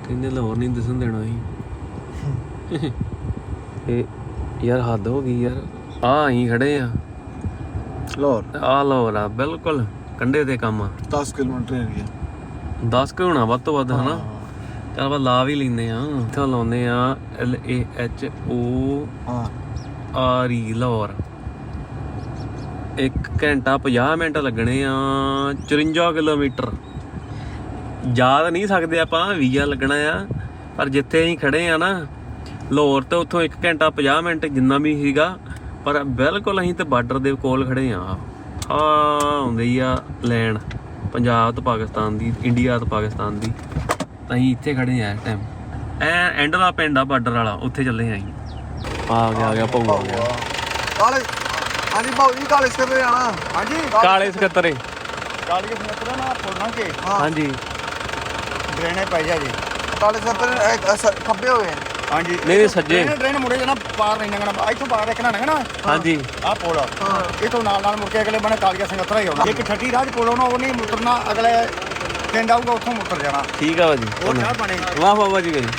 Speaker 1: ਕਹਿੰਦੇ ਲਾਹੌਰ ਨਹੀਂ ਦਿਸਣ ਦੇਣਾ ਸੀ ਇਹ ਯਾਰ ਹੱਦ ਹੋ ਗਈ ਯਾਰ ਆ ਅਸੀਂ ਖੜੇ ਆ
Speaker 2: ਲਾਹੌਰ
Speaker 1: ਆ ਲਾਹੌਰ ਆ ਬਿਲਕੁਲ ਕੰਢੇ ਤੇ ਕੰਮ ਆ
Speaker 2: ਦਸ ਕਿਲੋਮੀਟਰ ਏਰੀਆ
Speaker 1: ਦਸ ਕੁ ਹੋਣਾ ਵੱਧ ਤੋਂ ਵੱਧ ਹਨਾ ਚੱਲ ਆਪਾਂ ਲਾ ਵੀ ਲੈਂਦੇ ਆ ਇੱਥੋਂ ਲਾਉਂਦੇ ਆ ਐਲ ਏ ਐਚ ਓ
Speaker 2: ਹਾਂ
Speaker 1: ਆਰ ਈ ਲਾਹੌਰ ਇੱਕ ਘੰਟਾ ਪੰਜਾਹ ਮਿੰਟ ਲੱਗਣੇ ਆ ਚੁਰੰਜਾ ਕਿਲੋਮੀਟਰ ਯਾਦ ਨਹੀਂ ਸਕਦੇ ਆਪਾਂ ਵੀਜ਼ਾ ਲੱਗਣਾ ਆ ਪਰ ਜਿੱਥੇ ਅਸੀਂ ਖੜੇ ਆ ਨਾ ਲਾਹੌਰ ਤੋਂ ਉੱਥੋਂ ਇੱਕ ਘੰਟਾ ਪੰਜਾਹ ਮਿੰਟ ਜਿੰਨਾ ਵੀ ਸੀਗਾ ਪਰ ਬਿਲਕੁਲ ਅਸੀਂ ਤੇ ਬਾਰਡਰ ਦੇ ਕੋਲ ਖੜੇ ਆ ਆ ਆਉਂਦੀ ਆ ਲੈਣ ਪੰਜਾਬ ਤੋਂ ਪਾਕਿਸਤਾਨ ਦੀ ਇੰਡੀਆ ਤੋਂ ਪਾਕਿਸਤਾਨ ਦੀ ਤਾਂ ਅਸੀਂ ਇੱਥੇ ਖੜੇ ਆ ਇਸ ਟਾਈਮ ਐ ਐਂਡ ਦਾ ਪਿੰਡ ਆ ਬਾਰਡਰ ਵਾਲਾ ਉੱਥੇ ਚੱਲੇ ਆ ਅਸੀਂ ਆ ਗਿਆ ਆ ਗਿਆ ਭਾਊ ਆ ਗਿਆ
Speaker 2: ਕਾਲੇ ਹਾਂਜੀ ਭਾਊ ਜੀ ਕਾਲੇ ਸਕੱਤਰ ਜਾਣਾ ਹਾਂਜੀ
Speaker 1: ਕਾਲੇ ਸਕੱਤਰੇ
Speaker 2: ਕਾਲੇ ਸਕੱਤਰ ਨਾ ਪੋਣਾ ਕੇ
Speaker 1: ਹਾਂਜੀ
Speaker 2: ਡਰੇਨੇ ਪੈ ਜਾ ਜੀ ਕਾਲੇ ਸਕੱਤਰ ਖੱਬੇ ਹੋਏ
Speaker 4: ਹਾਂਜੀ
Speaker 1: ਨਹੀਂ ਨਹੀਂ ਸੱਜੇ
Speaker 4: ਟ੍ਰੇਨ ਮੁੜੇ ਜਣਾ ਪਾਰ ਨਹੀਂ ਲੰਘਣਾ ਇੱਥੋਂ ਪਾਰ ਦੇਖਣਾ ਲੰਘਣਾ
Speaker 1: ਹਾਂਜੀ
Speaker 4: ਆਹ ਪੁਲ ਇਥੋਂ ਨਾਲ ਨਾਲ ਮੁੜ ਕੇ ਅਗਲੇ ਬਣੇ ਕਾਲੀਆ ਸੰਗਤਰਾ ਹੀ ਆਉਣਾ ਇੱਕ ਠੱਠੀ ਰਾਜ ਪੁਲ ਆਉਣਾ ਉਹ ਨਹੀਂ ਮੁੱਤਰਨਾ ਅਗਲੇ ਪਿੰਡ ਆਊਗਾ ਉੱਥੋਂ ਮੁੱਤਰ ਜਾਣਾ
Speaker 1: ਠੀਕ ਆ ਭਾਜੀ
Speaker 4: ਉਹ ਚਾਹ ਪਾਣੀ
Speaker 1: ਵਾਹ ਵਾਹ ਭਾਜੀ ਭਾਈ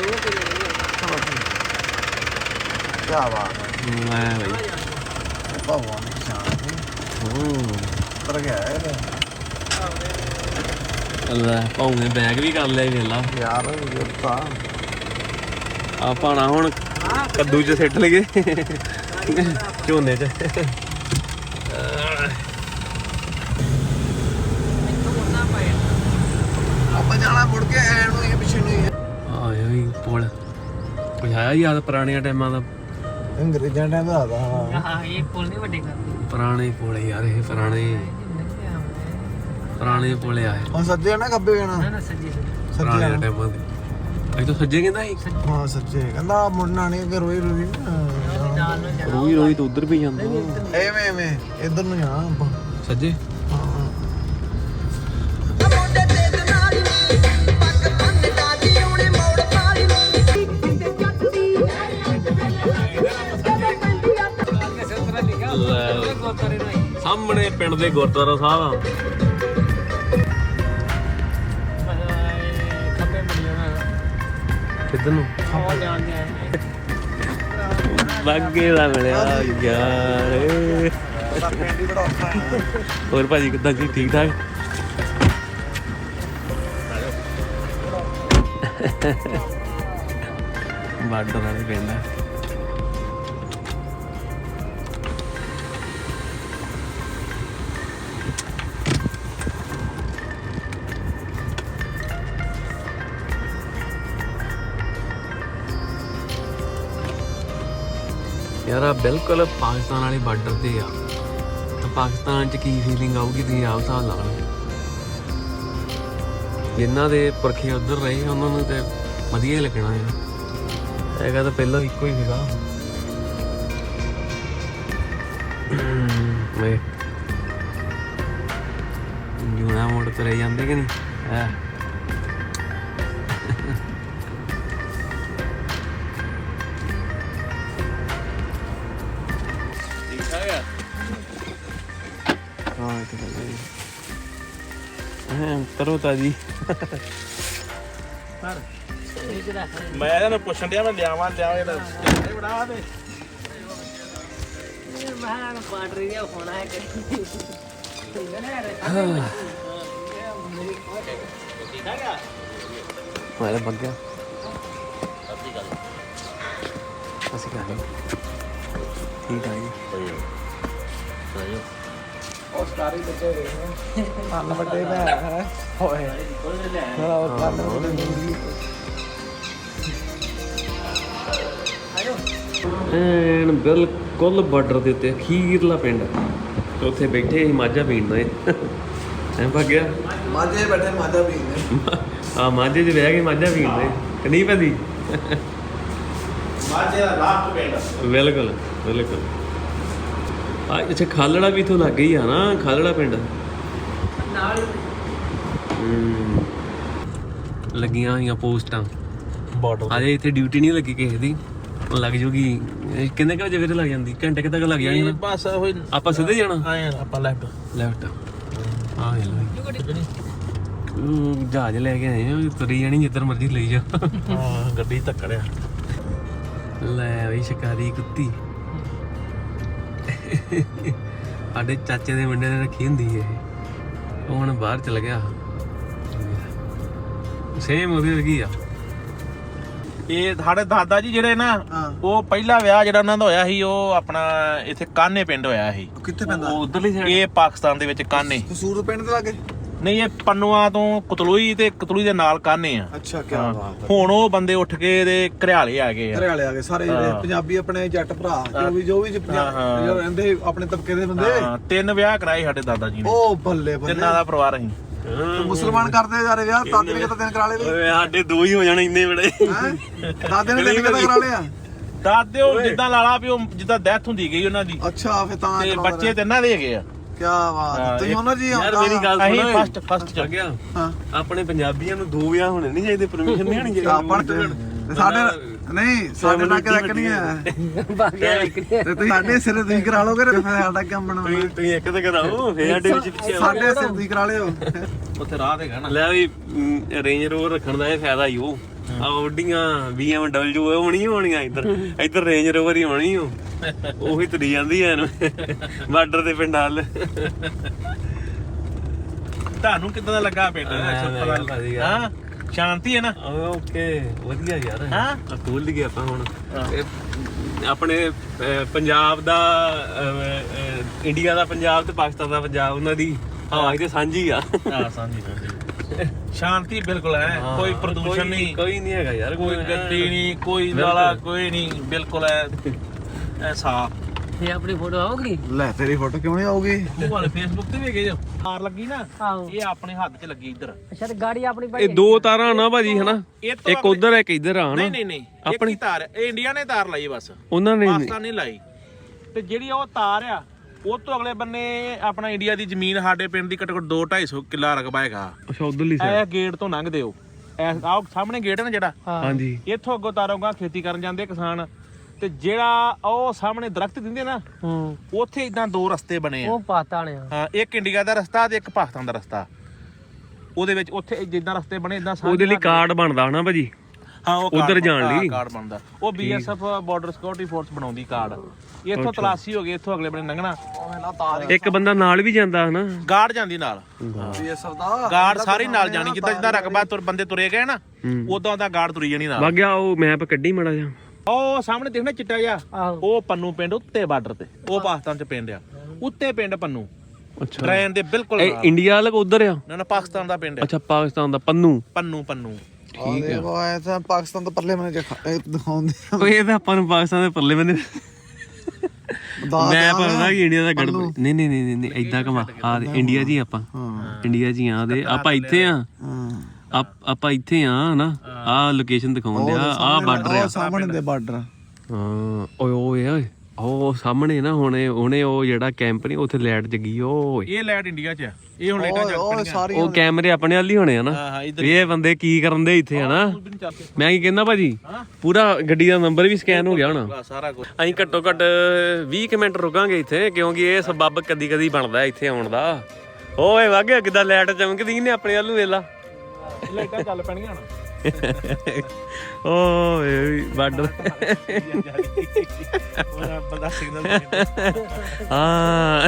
Speaker 2: ਕੀ ਬਾਤ
Speaker 1: ਮੈਂ ਭਾਈ
Speaker 2: ਭਾਊ ਨੇ ਸ਼ਾਨ
Speaker 1: ਹੂੰ
Speaker 2: ਤਰ ਗਿਆ ਇਹ
Speaker 1: ਅੱਲਾ ਭਾਊ ਨੇ ਬੈਗ ਵੀ ਕਰ ਲਿਆ ਵੇਲਾ
Speaker 2: ਯਾਰ ਇਹ ਤਾਂ
Speaker 1: ਆ ਪਾਣਾ ਹੁਣ ਕੱਦੂ ਚ ਸਿੱਟ ਲਈਏ ਝੋਨੇ ਚ
Speaker 2: ਆਪਾਂ ਜਾਣਾ ਮੁੜ ਕੇ ਐਨ ਨੂੰ ਇਹ ਪਿੱਛੇ ਨੂੰ ਹੀ
Speaker 1: ਆਏ ਵੀ ਪੁਲ ਕੁਝ ਆਇਆ ਯਾਦ ਪੁਰਾਣੀਆਂ ਟਾਈਮਾਂ ਦਾ
Speaker 2: ਅੰਗਰੇਜ਼ਾਂ ਟਾਈਮ ਦਾ ਆਦਾ
Speaker 3: ਹਾਂ ਇਹ ਪੁੱਲ ਨਹੀਂ ਵੱਡੇ ਕਰਦੇ
Speaker 1: ਪੁਰਾਣੇ ਪੁਲ ਯਾਰ ਇਹ ਪੁਰਾਣੇ ਪੁਰਾਣੇ ਪੁਲ ਆਏ
Speaker 2: ਹੁਣ ਸੱਜੇ ਨਾ ਖੱਬੇ
Speaker 3: ਨਾ
Speaker 2: ਜਾਣਾ
Speaker 3: ਨਾ ਸੱਜੀ
Speaker 2: ਸੱਜੇ
Speaker 1: ਪੁਰਾਣੇ
Speaker 2: ਜਾਣਾ।
Speaker 1: ਟਾਈਮਾਂ ਦੇ ਅਜ ਤਾਂ ਸੱਜੇ ਕਹਿੰਦਾ ਸੀ
Speaker 2: ਹਾਂ ਸੱਜੇ ਕਹਿੰਦਾ ਮੁੜਨਾ ਨਹੀਂ ਕਿ ਰੋਈ ਰੋਈ
Speaker 3: ਨਾਲ ਨੂੰ ਜਾਣਾ
Speaker 1: ਰੋਈ ਰੋਈ ਤਾਂ ਉਧਰ ਵੀ ਜਾਂਦਾ
Speaker 2: ਐਵੇਂ ਐਵੇਂ ਇਧਰ ਨੂੰ ਜਾਣਾ ਆਪਾਂ
Speaker 1: ਸੱਜੇ
Speaker 2: ਹਾਂ
Speaker 1: ਸਾਹਮਣੇ ਪਿੰਡ ਦੇ ਗੁਰਦੁਆਰਾ ਸਾਹਿਬ ਆ
Speaker 3: ਖੱਬੇ ਮੁੜ ਜਾਣਾ
Speaker 1: ਕਿੱਧਰ ਨੂੰ
Speaker 3: ਉਹ ਜਾਣਦੇ ਆ
Speaker 1: ਲੱਗੇ ਦਾ ਮਿਲਿਆ ਯਾਰ
Speaker 2: ਸਾਡਾ ਪਿੰਡ ਹੀ ਬੜਾ ਔਖਾ ਹੈ
Speaker 1: ਹੋਰ ਭਾਜੀ ਕਿੱਦਾਂ ਜੀ ਠੀਕ ਠਾਕ ਬਾਰਡਰ ਵਾਲੇ ਪਿੰਡ ਆ ਯਾਰ ਆ ਬਿਲਕੁਲ ਪਾਕਿਸਤਾਨ ਵਾਲੇ ਬਾਰਡਰ ਤੇ ਆ ਤਾਂ ਪਾਕਿਸਤਾਨ 'ਚ ਕੀ ਫੀਲਿੰਗ ਆਊਗੀ ਤੁਸੀਂ ਆਪ ਹਿਸਾਬ ਲਾ ਲਓ ਜਿਨ੍ਹਾਂ ਦੇ ਪੁਰਖੇ ਉੱਧਰ ਰਹੇ ਉਹਨਾਂ ਨੂੰ ਤੇ ਵਧੀਆ ਹੀ ਲੱਗਣਾ ਹੈ ਹੈਗਾ ਤਾਂ ਪਹਿਲਾਂ ਇੱਕੋ ਹੀ ਸੀਗਾ ਵੇ ਜੂਨਾ ਮੋੜ ਤੇ ਜਾਂਦੇ ਕਿ ਨਹੀਂ ਹੈ ਹਾਂ ਇਹ ਤਾਂ ਹੈ ਹਾਂ ਕਰੋ ਤਾਜੀ
Speaker 3: ਪਰ ਇਹ ਜਿਹੜਾ
Speaker 4: ਮੈਂ ਇਹਨਾਂ ਪੁੱਛਣ ਡਿਆ ਮੈਂ ਲਿਆਵਾਂ ਲਿਆਵਾਂ ਇਹ ਬਣਾ ਦੇ
Speaker 3: ਇਹ ਮਹਾਨ ਬਾਰਡਰ ਜਿਹਾ ਹੋਣਾ ਹੈ ਕਿ
Speaker 1: ਮਾਰੇ ਬੱਗਿਆ ਅਸੀਂ ਕਹਾਂ ਠੀਕ ਆ ਜੀ
Speaker 2: ਉਹ ਸਟਾਰੀ ਬੱਚੇ ਵੇਖਣੇ ਕੰਨ ਵੱਡੇ ਭੈ ਹੈ ਹੋਏ ਮੇਰਾ ਉਹ ਕੰਨ ਵੱਡੇ
Speaker 1: ਐਨ ਬਿਲਕੁਲ ਬਾਰਡਰ ਦੇ ਉੱਤੇ ਅਖੀਰਲਾ ਪਿੰਡ ਉੱਥੇ ਬੈਠੇ ਸੀ ਮਾਝਾ ਪੀਣ ਦੇ ਐਂ ਭੱਗਿਆ
Speaker 2: ਮਾਝੇ ਬੈਠੇ ਮਾਝਾ ਪੀਂਦੇ
Speaker 1: ਆ ਮਾਝੇ 'ਚ ਬਹਿ ਕੇ ਮਾਝਾ ਪੀਣ ਦੇ ਕਿ ਨਹੀਂ ਪੈਂਦੀ
Speaker 4: ਮਾਝੇ ਦਾ ਲਾਸਟ ਪਿੰਡ
Speaker 1: ਬਿਲਕੁਲ ਬਿਲਕੁਲ ਆ ਅੱਛਾ ਖਾਲੜਾ ਵੀ ਇਥੋਂ ਲੱਗ ਹੀ ਆ ਨਾ ਖਾਲੜਾ ਪਿੰਡ
Speaker 3: ਨਾਲ
Speaker 1: ਹਮ, ਲੱਗੀਆਂ ਹੋਈਆਂ ਪੋਸਟਾਂ
Speaker 2: ਬਾਰਡਰ
Speaker 1: ਅਜੇ ਇੱਥੇ ਡਿਊਟੀ ਨਹੀਂ ਲੱਗੀ ਕਿਸੇ ਦੀ ਲੱਗ ਜੂਗੀ ਇਹ ਕਿੰਨੇ ਕੁ ਵਜੇ ਵੀਰੇ ਲੱਗ ਜਾਂਦੀ ਘੰਟੇ ਕੁ ਤੱਕ ਲੱਗ ਜਾਣੀ ਨਾ
Speaker 4: ਬਸ ਹੋਈ
Speaker 1: ਆਪਾਂ ਸਿੱਧੇ ਜਾਣਾ
Speaker 4: ਆਏ ਆਪਾਂ ਲੈਫਟ
Speaker 1: ਲੈਫਟ ਆ ਇਹ ਲੋ ਉਹ ਜਹਾਜ਼ ਲੈ ਕੇ ਆਏ ਆ ਤੁਰੀ ਜਾਣੀ ਜਿੱਧਰ ਮਰਜ਼ੀ ਲਈ ਜਾ
Speaker 5: ਹਾਂ ਗੱਡੀ ਧੱਕੜਿਆ
Speaker 1: ਲੈ ਬਈ ਸ਼ਿਕਾਰੀ ਕੁੱਤੀ ਸਾਡੇ ਚਾਚੇ ਦੇ ਮੁੰਡੇ ਨੇ ਰੱਖੀ ਹੁੰਦੀ ਇਹ ਉਹ ਹੁਣ ਬਾਹਰ ਚਲ ਗਿਆ ਸੇਮ ਉਹਦੀ ਵਰਗੀ ਆ
Speaker 5: ਇਹ ਸਾਡੇ ਦਾਦਾ ਜੀ ਜਿਹੜੇ ਨਾ
Speaker 2: ਹਾਂ।
Speaker 5: ਉਹ ਪਹਿਲਾ ਵਿਆਹ ਜਿਹੜਾ ਉਹਨਾਂ ਦਾ ਹੋਇਆ ਸੀ ਉਹ ਆਪਣਾ ਇੱਥੇ ਕਾਨੇ ਪਿੰਡ ਹੋਇਆ ਸੀ
Speaker 2: ਕਿੱਥੇ ਪੈਂਦਾ
Speaker 1: ਉਹ ਉਧਰਲੀ ਸਾਈਡ
Speaker 5: ਇਹ ਪਾਕਿਸਤਾਨ ਦੇ ਵਿੱਚ ਕਾਨੇ
Speaker 2: ਕਸੂਰ ਪਿੰਡ ਦੇ ਲਾਗੇ
Speaker 5: ਨਹੀਂ ਇਹ ਪੰਨੂਆਂ ਤੋਂ ਕਤਲੂਈ ਤੇ ਕਤਲੂਈ ਦੇ ਨਾਲ ਕਾਨੇ ਆ
Speaker 2: ਅੱਛਾ ਕੀ ਬਾਤ
Speaker 5: ਹੁਣ ਉਹ ਬੰਦੇ ਉੱਠ ਕੇ ਇਹਦੇ ਘਰਿਆਲੇ ਆ ਗਏ ਆ
Speaker 2: ਘਰੇ ਵਾਲੇ ਆ ਗਏ ਸਾਰੇ ਜਿਹੜੇ
Speaker 5: ਹਾਂ।
Speaker 2: ਪੰਜਾਬੀ ਆਪਣੇ ਜੱਟ ਭਰਾ ਜੋ ਵੀ ਜੋ ਵੀ
Speaker 5: ਹਾਂ,
Speaker 2: ਪੰਜਾਬ
Speaker 5: ਹਾਂ।
Speaker 2: ਜੋ ਰਹਿੰਦੇ ਆਪਣੇ ਤਬਕੇ ਦੇ ਬੰਦੇ
Speaker 5: ਹਾਂ ਤਿੰਨ ਵਿਆਹ ਕਰਾਏ ਸਾਡੇ ਦਾਦਾ ਜੀ ਨੇ
Speaker 2: ਉਹ ਬੱਲੇ ਬੱਲੇ
Speaker 5: ਤਿੰਨਾਂ ਦਾ ਪਰਿਵਾਰ ਅਸੀਂ
Speaker 2: ਤੇ ਮੁਸਲਮਾਨ ਕਰਦੇ ਜਾ ਰਹੇ ਵਿਆਹ ਦਾਦੇ ਨੇ ਕਿਤੇ ਦਿਨ ਕਰਾ ਲਏ ਵੀ
Speaker 1: ਓਏ ਸਾਡੇ ਦੋ ਹੀ ਹੋ ਜਾਣੇ ਇੰਨੇ ਬੜੇ
Speaker 2: ਹੈਂ? ਦਾਦੇ ਨੇ ਦਿਨ ਕਿਤੇ ਕਰਾ ਲਿਆ
Speaker 5: ਦਾਦੇ ਉਹ ਜਿੱਦਾਂ ਲਾਲਾ ਵੀ ਉਹ ਜਿੱਦਾਂ ਡੈਥ ਹੁੰਦੀ ਗਈ ਉਹਨਾਂ ਦੀ
Speaker 2: ਅੱਛਾ ਫੇ ਤਾਂ
Speaker 5: ਤੇ ਬੱਚੇ ਤਿੰਨਾਂ ਦੇ ਹੈਗੇ ਆ
Speaker 2: ਕੀ ਬਾਤ ਤੁਸੀਂ ਉਹਨਾਂ ਜੀ
Speaker 1: ਯਾਰ ਮੇਰੀ ਗੱਲ
Speaker 5: ਅਸੀਂ
Speaker 1: ਸੁਣ
Speaker 5: ਫਸਟ ਫਸਟ ਚ
Speaker 1: ਗਿਆ
Speaker 2: ਹਾਂ
Speaker 1: ਆਪਣੇ ਪੰਜਾਬੀਆਂ ਨੂੰ ਦੋ ਵਿਆਹ ਹੋਣੇ ਨਹੀਂ ਚਾਹੀਦੇ ਪਰਮਿਸ਼ਨ ਨਹੀਂ ਹੋਣੀ
Speaker 2: ਆਪਾਂ ਤੇ ਸਾਡੇ ਨਹੀਂ ਸਾਡੇ ਨਾਲ ਕਿਹਦਾ ਨਹੀਂ ਹੈ
Speaker 3: ਬਾਗਿਆ ਨਿਕਲੀ
Speaker 2: ਤੇ ਤੁਸੀਂ ਸਾਡੇ ਸਿਰ ਤੁਸੀਂ ਕਰਾ ਲੋਗੇ ਤੇ ਫਿਰ ਸਾਡਾ ਕੰਮ ਬਣਾਉਣਾ
Speaker 1: ਤੁਸੀਂ ਇੱਕ ਤੇ ਕਰਾਓ ਫੇਰ ਸਾਡੇ ਵਿੱਚ ਪਿੱਛੇ ਆਓ।
Speaker 2: ਸਾਡੇ ਸਿਰ ਤੁਸੀਂ ਕਰਾ ਲਿਓ
Speaker 5: ਉੱਥੇ ਰਾਹ ਤੇ ਨਾ
Speaker 1: ਲੈ ਵੀ ਰੇਂਜ ਰੋਵਰ ਰੱਖਣ ਦਾ ਇਹ ਫਾਇਦਾ ਹੀ ਉਹ ਆ ਆਡੀਆਂ ਬੀ ਐਮ ਡਬਲਯੂ ਉਹ ਹੋਣੀ ਹੋਣੀਆਂ ਇੱਧਰ ਇੱਧਰ ਰੇਂਜ ਰੋਵਰ ਹੀ ਹੋਣੀ ਉਹ ਉਹੀ ਤੁਰੀ ਜਾਂਦੀ ਐ ਇਹਨੂੰ ਬਾਰਡਰ ਦੇ ਪਿੰਡ ਨਾਲ
Speaker 5: ਤੁਹਾਨੂੰ ਕਿੱਦਾਂ ਦਾ ਲੱਗਾ ਪਿੰਡ ਹਾਂ ਸ਼ਾਂਤੀ ਹੈ ਨਾ
Speaker 1: ਓਕੇ ਵਧੀਆ ਯਾਰ
Speaker 5: ਹਾਂ
Speaker 1: ਖੋਲ ਲਈਏ ਆਪਾਂ ਹੁਣ ਇਹ ਆਪਣੇ ਅਹ, ਪੰਜਾਬ ਦਾ ਅਹ, ਅਹ, ਇੰਡੀਆ ਦਾ ਪੰਜਾਬ ਤੇ ਪਾਕਿਸਤਾਨ ਦਾ ਪੰਜਾਬ ਉਹਨਾਂ ਦੀ ਹਵਾ ਤੇ ਸਾਂਝੀ ਆ
Speaker 5: ਹਾਂ ਸਾਂਝੀ ਸਾਂਝੀ ਸ਼ਾਂਤੀ ਬਿਲਕੁਲ ਹੈ ਕੋਈ ਪ੍ਰਦੂਸ਼ਣ ਨਹੀਂ
Speaker 1: ਕੋਈ ਨਹੀਂ ਹੈਗਾ ਯਾਰ
Speaker 5: ਕੋਈ ਗੱਡੀ ਨਹੀਂ ਕੋਈ ਨਾਲਾ ਕੋਈ ਨਹੀਂ ਬਿਲਕੁਲ ਹੈ ਐ ਸਾਫ
Speaker 3: ਇਹ ਆਪਣੀ ਫੋਟੋ ਆਉਗੀ
Speaker 2: ਲੈ ਤੇਰੀ ਫੋਟੋ ਕਿਉਂ ਨਹੀਂ ਆਉਗੀ
Speaker 5: ਉਹ ਵਾਲੇ ਫੇਸਬੁੱਕ ਤੇ ਵੀ ਹੈਗੇ ਜੋ ਤਾਰ ਲੱਗੀ ਨਾ
Speaker 3: ਆਹੋ
Speaker 5: ਇਹ ਆਪਣੇ ਹੱਥ 'ਚ ਲੱਗੀ ਇੱਧਰ
Speaker 3: ਅੱਛਾ ਤੇ ਗਾੜੀ ਆਪਣੀ
Speaker 1: ਇਹ ਦੋ ਤਾਰਾਂ ਨਾ ਭਾਜੀ ਹਨਾ
Speaker 5: ਇਹ ਤੋਂ
Speaker 1: ਇੱਕ ਉਧਰ ਇੱਕ ਇੱਧਰ ਆ
Speaker 5: ਨਹੀਂ
Speaker 1: ਹਨਾ
Speaker 5: ਨਹੀਂ ਨਹੀਂ ਆਪਣੀ
Speaker 1: ਆਪਣੀ
Speaker 5: ਤਾਰ ਇਹ ਇੰਡੀਆ ਨੇ ਤਾਰ ਲਾਈ ਬਸ
Speaker 1: ਉਹਨਾਂ ਨੇ
Speaker 5: ਪਾਕਿਸਤਾਨ ਨੇ ਲਾਈ ਤੇ ਜਿਹੜੀ ਉਹ ਤਾਰ ਆ ਉਹ ਤੋਂ ਅਗਲੇ ਬੰਨੇ ਆਪਣਾ ਇੰਡੀਆ ਦੀ ਜ਼ਮੀਨ ਸਾਡੇ ਪਿੰਡ ਦੀ ਘੱਟੋ ਘੱਟ ਦੋ ਢਾਈ ਸੌ ਕਿੱਲਾ ਰਕਬਾ ਹੈਗਾ
Speaker 1: ਅੱਛਾ ਉਧਰਲੀ
Speaker 5: ਇਹ ਗੇਟ ਤੋਂ ਲੰਘਦੇ ਹੋ ਇਹ ਆਹ ਸਾਹਮਣੇ ਗੇਟ ਹੈ ਨਾ ਜਿਹੜਾ
Speaker 1: ਹਾਂਜੀ
Speaker 5: ਇੱਥੋਂ ਅੱਗੋਂ ਤਾਰੋਂਗਾ ਖੇਤੀ ਕਰਨ ਜਾਂਦੇ ਕਿਸਾਨ ਤੇ ਜਿਹੜਾ ਉਹ ਸਾਹਮਣੇ ਦਰਖਤ ਦਿੰਦੇ ਨਾ
Speaker 3: ਹੂੰ
Speaker 5: ਉੱਥੇ ਇਦਾਂ ਦੋ ਰਸਤੇ ਬਣੇ ਆ
Speaker 3: ਉਹ ਪਾਤਾ ਨੇ
Speaker 5: ਹਾਂ ਇੱਕ ਇੰਡੀਆ ਦਾ ਰਸਤਾ ਤੇ ਇੱਕ ਪਾਕਿਸਤਾਨ ਦਾ ਰਸਤਾ ਉਹਦੇ ਵਿੱਚ ਉੱਥੇ ਜਿੱਦਾਂ ਰਸਤੇ ਬਣੇ ਇਦਾਂ
Speaker 1: ਉਹਦੇ ਲਈ ਕਾਰਡ ਬਣਦਾ ਹਨਾ ਭਾਜੀ
Speaker 5: ਹਾਂ ਉਹ
Speaker 1: ਉੱਧਰ ਜਾਣ ਲਈ।
Speaker 5: ਕਾਰਡ ਬਣਦਾ ਉਹ ਬੀਐਸਐਫ ਬਾਰਡਰ ਸਿਕਿਉਰਿਟੀ ਫੋਰਸ ਬਣਾਉਂਦੀ ਕਾਰਡ ਇੱਥੋਂ ਤਲਾਸ਼ੀ ਹੋ ਗਈ ਇੱਥੋਂ ਅਗਲੇ ਬੰਨੇ ਲੰਘਣਾ
Speaker 1: ਇੱਕ ਬੰਦਾ ਨਾਲ ਵੀ ਜਾਂਦਾ ਹਨਾ
Speaker 5: ਗਾਰਡ ਜਾਂਦੀ ਨਾਲ
Speaker 2: ਬੀਐਸਐਫ ਦਾ
Speaker 5: ਗਾਰਡ ਸਾਰੀ ਨਾਲ ਜਾਣੀ ਜਿੱਦਾਂ ਜਿੱਦਾਂ ਰਕਬਾ ਤੁਰ ਬੰਦੇ ਤੁਰੇ ਗਏ ਨਾ ਉਦਾਂ ਦਾ ਗਾਰਡ ਤੁਰੀ ਜਾਣੀ ਨਾਲ
Speaker 1: ਵਗ ਗਿਆ ਉਹ ਮੈਪ ਕੱਢੀ ਮੜਾ ਜਾ
Speaker 5: ਉਹ ਸਾਹਮਣੇ ਦੇਖਣਾ ਚਿੱਟਾ ਜਿਹਾ
Speaker 3: ਆਹੋ
Speaker 5: ਉਹ ਪੰਨੂ ਪਿੰਡ ਉੱਤੇ ਬਾਰਡਰ ਤੇ ਉਹ ਪਾਕਿਸਤਾਨ ਚ ਪਿੰਡ ਆ ਉੱਤੇ ਪਿੰਡ ਪੰਨੂ
Speaker 1: ਅੱਛਾ
Speaker 5: ਟ੍ਰੇਨ ਦੇ ਬਿਲਕੁਲ
Speaker 1: ਇਹ
Speaker 5: ਨਾਲ
Speaker 1: ਇੰਡੀਆ ਵਾਲਾ ਉਧਰ ਆ
Speaker 5: ਨਾ ਨਾ ਪਾਕਿਸਤਾਨ ਦਾ ਪਿੰਡ ਆ
Speaker 1: ਅੱਛਾ ਪਾਕਿਸਤਾਨ ਦਾ ਪੰਨੂ
Speaker 5: ਪੰਨੂ ਪੰਨੂ
Speaker 2: ਠੀਕ ਹੈ ਉਹ ਐ ਤਾਂ ਪਾਕਿਸਤਾਨ ਤੋਂ ਪਰਲੇ ਮਨੇ ਦਿਖਾਉਂਦੇ
Speaker 1: ਓਏ ਇਹ ਤਾਂ ਆਪਾਂ ਨੂੰ ਪਾਕਿਸਤਾਨ ਦੇ ਪਰਲੇ ਬੰਦੇ ਮੈਂ ਪਤਾ ਕਿ ਇੰਡੀਆ ਦਾ ਗੜ ਨਹੀਂ ਨਹੀਂ ਨਹੀਂ ਨਹੀਂ ਇਦਾਂ ਕਮਾ ਆ ਇੰਡੀਆ ਜੀ ਆਪਾਂ ਇੰਡੀਆ ਜੀ ਆ ਦੇ ਆਪਾਂ ਇੱਥੇ ਆ ਆਪ- ਆਪਾਂ ਇੱਥੇ ਆ ਨਾ ਆ ਲੋਕੇਸ਼ਨ ਦਿਖਾਉਂਦੇ ਆ ਆ ਬਾਰਡਰ ਆ
Speaker 2: ਸਾਹਮਣੇ ਦੇ ਬਾਰਡਰ
Speaker 1: ਹਾਂ ਓਏ ਓਏ ਓਏ ਉਹ ਸਾਹਮਣੇ ਨਾ ਹੁਣੇ ਉਹਨੇ ਉਹ ਜਿਹੜਾ ਕੈਂਪ ਨਹੀਂ ਉੱਥੇ ਲਾਈਟ ਜਗੀ ਓਏ
Speaker 5: ਇਹ ਲੈਟ ਇੰਡੀਆ ਚ ਆ ਇਹ ਹੁਣ ਲੇਟਾਂ ਚੱਲ
Speaker 2: ਉਹ
Speaker 5: ਪਣੀਆਂ
Speaker 2: ਸਾਰੀ
Speaker 1: ਉਹ ਕੈਮਰੇ ਆਪਣੇ ਵੱਲ ਹੀ ਹੋਣੇ ਆ ਨਾ
Speaker 5: ਹਾਂ ਹਾਂ ਇੱਧਰ
Speaker 1: ਇਹ ਬੰਦੇ ਕੀ ਕਰਨ ਦੇ ਇੱਥੇ ਹਨਾ ਮੈਂ ਕੀ ਕਹਿੰਦਾ ਭਾਜੀ ਪੂਰਾ ਗੱਡੀ ਦਾ ਨੰਬਰ ਵੀ ਸਕੈਨ ਹੋ ਗਿਆ ਹੋਣਾ
Speaker 5: ਸਾਰਾ ਕੁਝ
Speaker 1: ਅਸੀਂ ਘੱਟੋ ਘੱਟ ਵੀਹ ਕੁ ਮਿੰਟ ਰੁਕਾਂਗੇ ਇੱਥੇ ਕਿਉਂਕਿ ਇਹ ਸਬੱਬ ਕਦੀ ਕਦੀ ਬਣਦਾ ਇੱਥੇ ਆਉਣ ਦਾ ਓਏ ਵਾਗੇ ਕਿਦਾਂ ਲਾਈਟ ਚਮਕਦੀ ਨੇ ਆਪਣੇ ਵੱਲ ਨੂੰ ਵੇਲਾ
Speaker 5: ਲਾਈਟਾਂ ਚੱਲ ਪੈਣੀਆਂ ਹੁਣ
Speaker 1: ਓਏ ਬਾਰਡਰ
Speaker 5: ਬੰਦਾ ਸਿਗਨਲ
Speaker 1: ਹਾਂ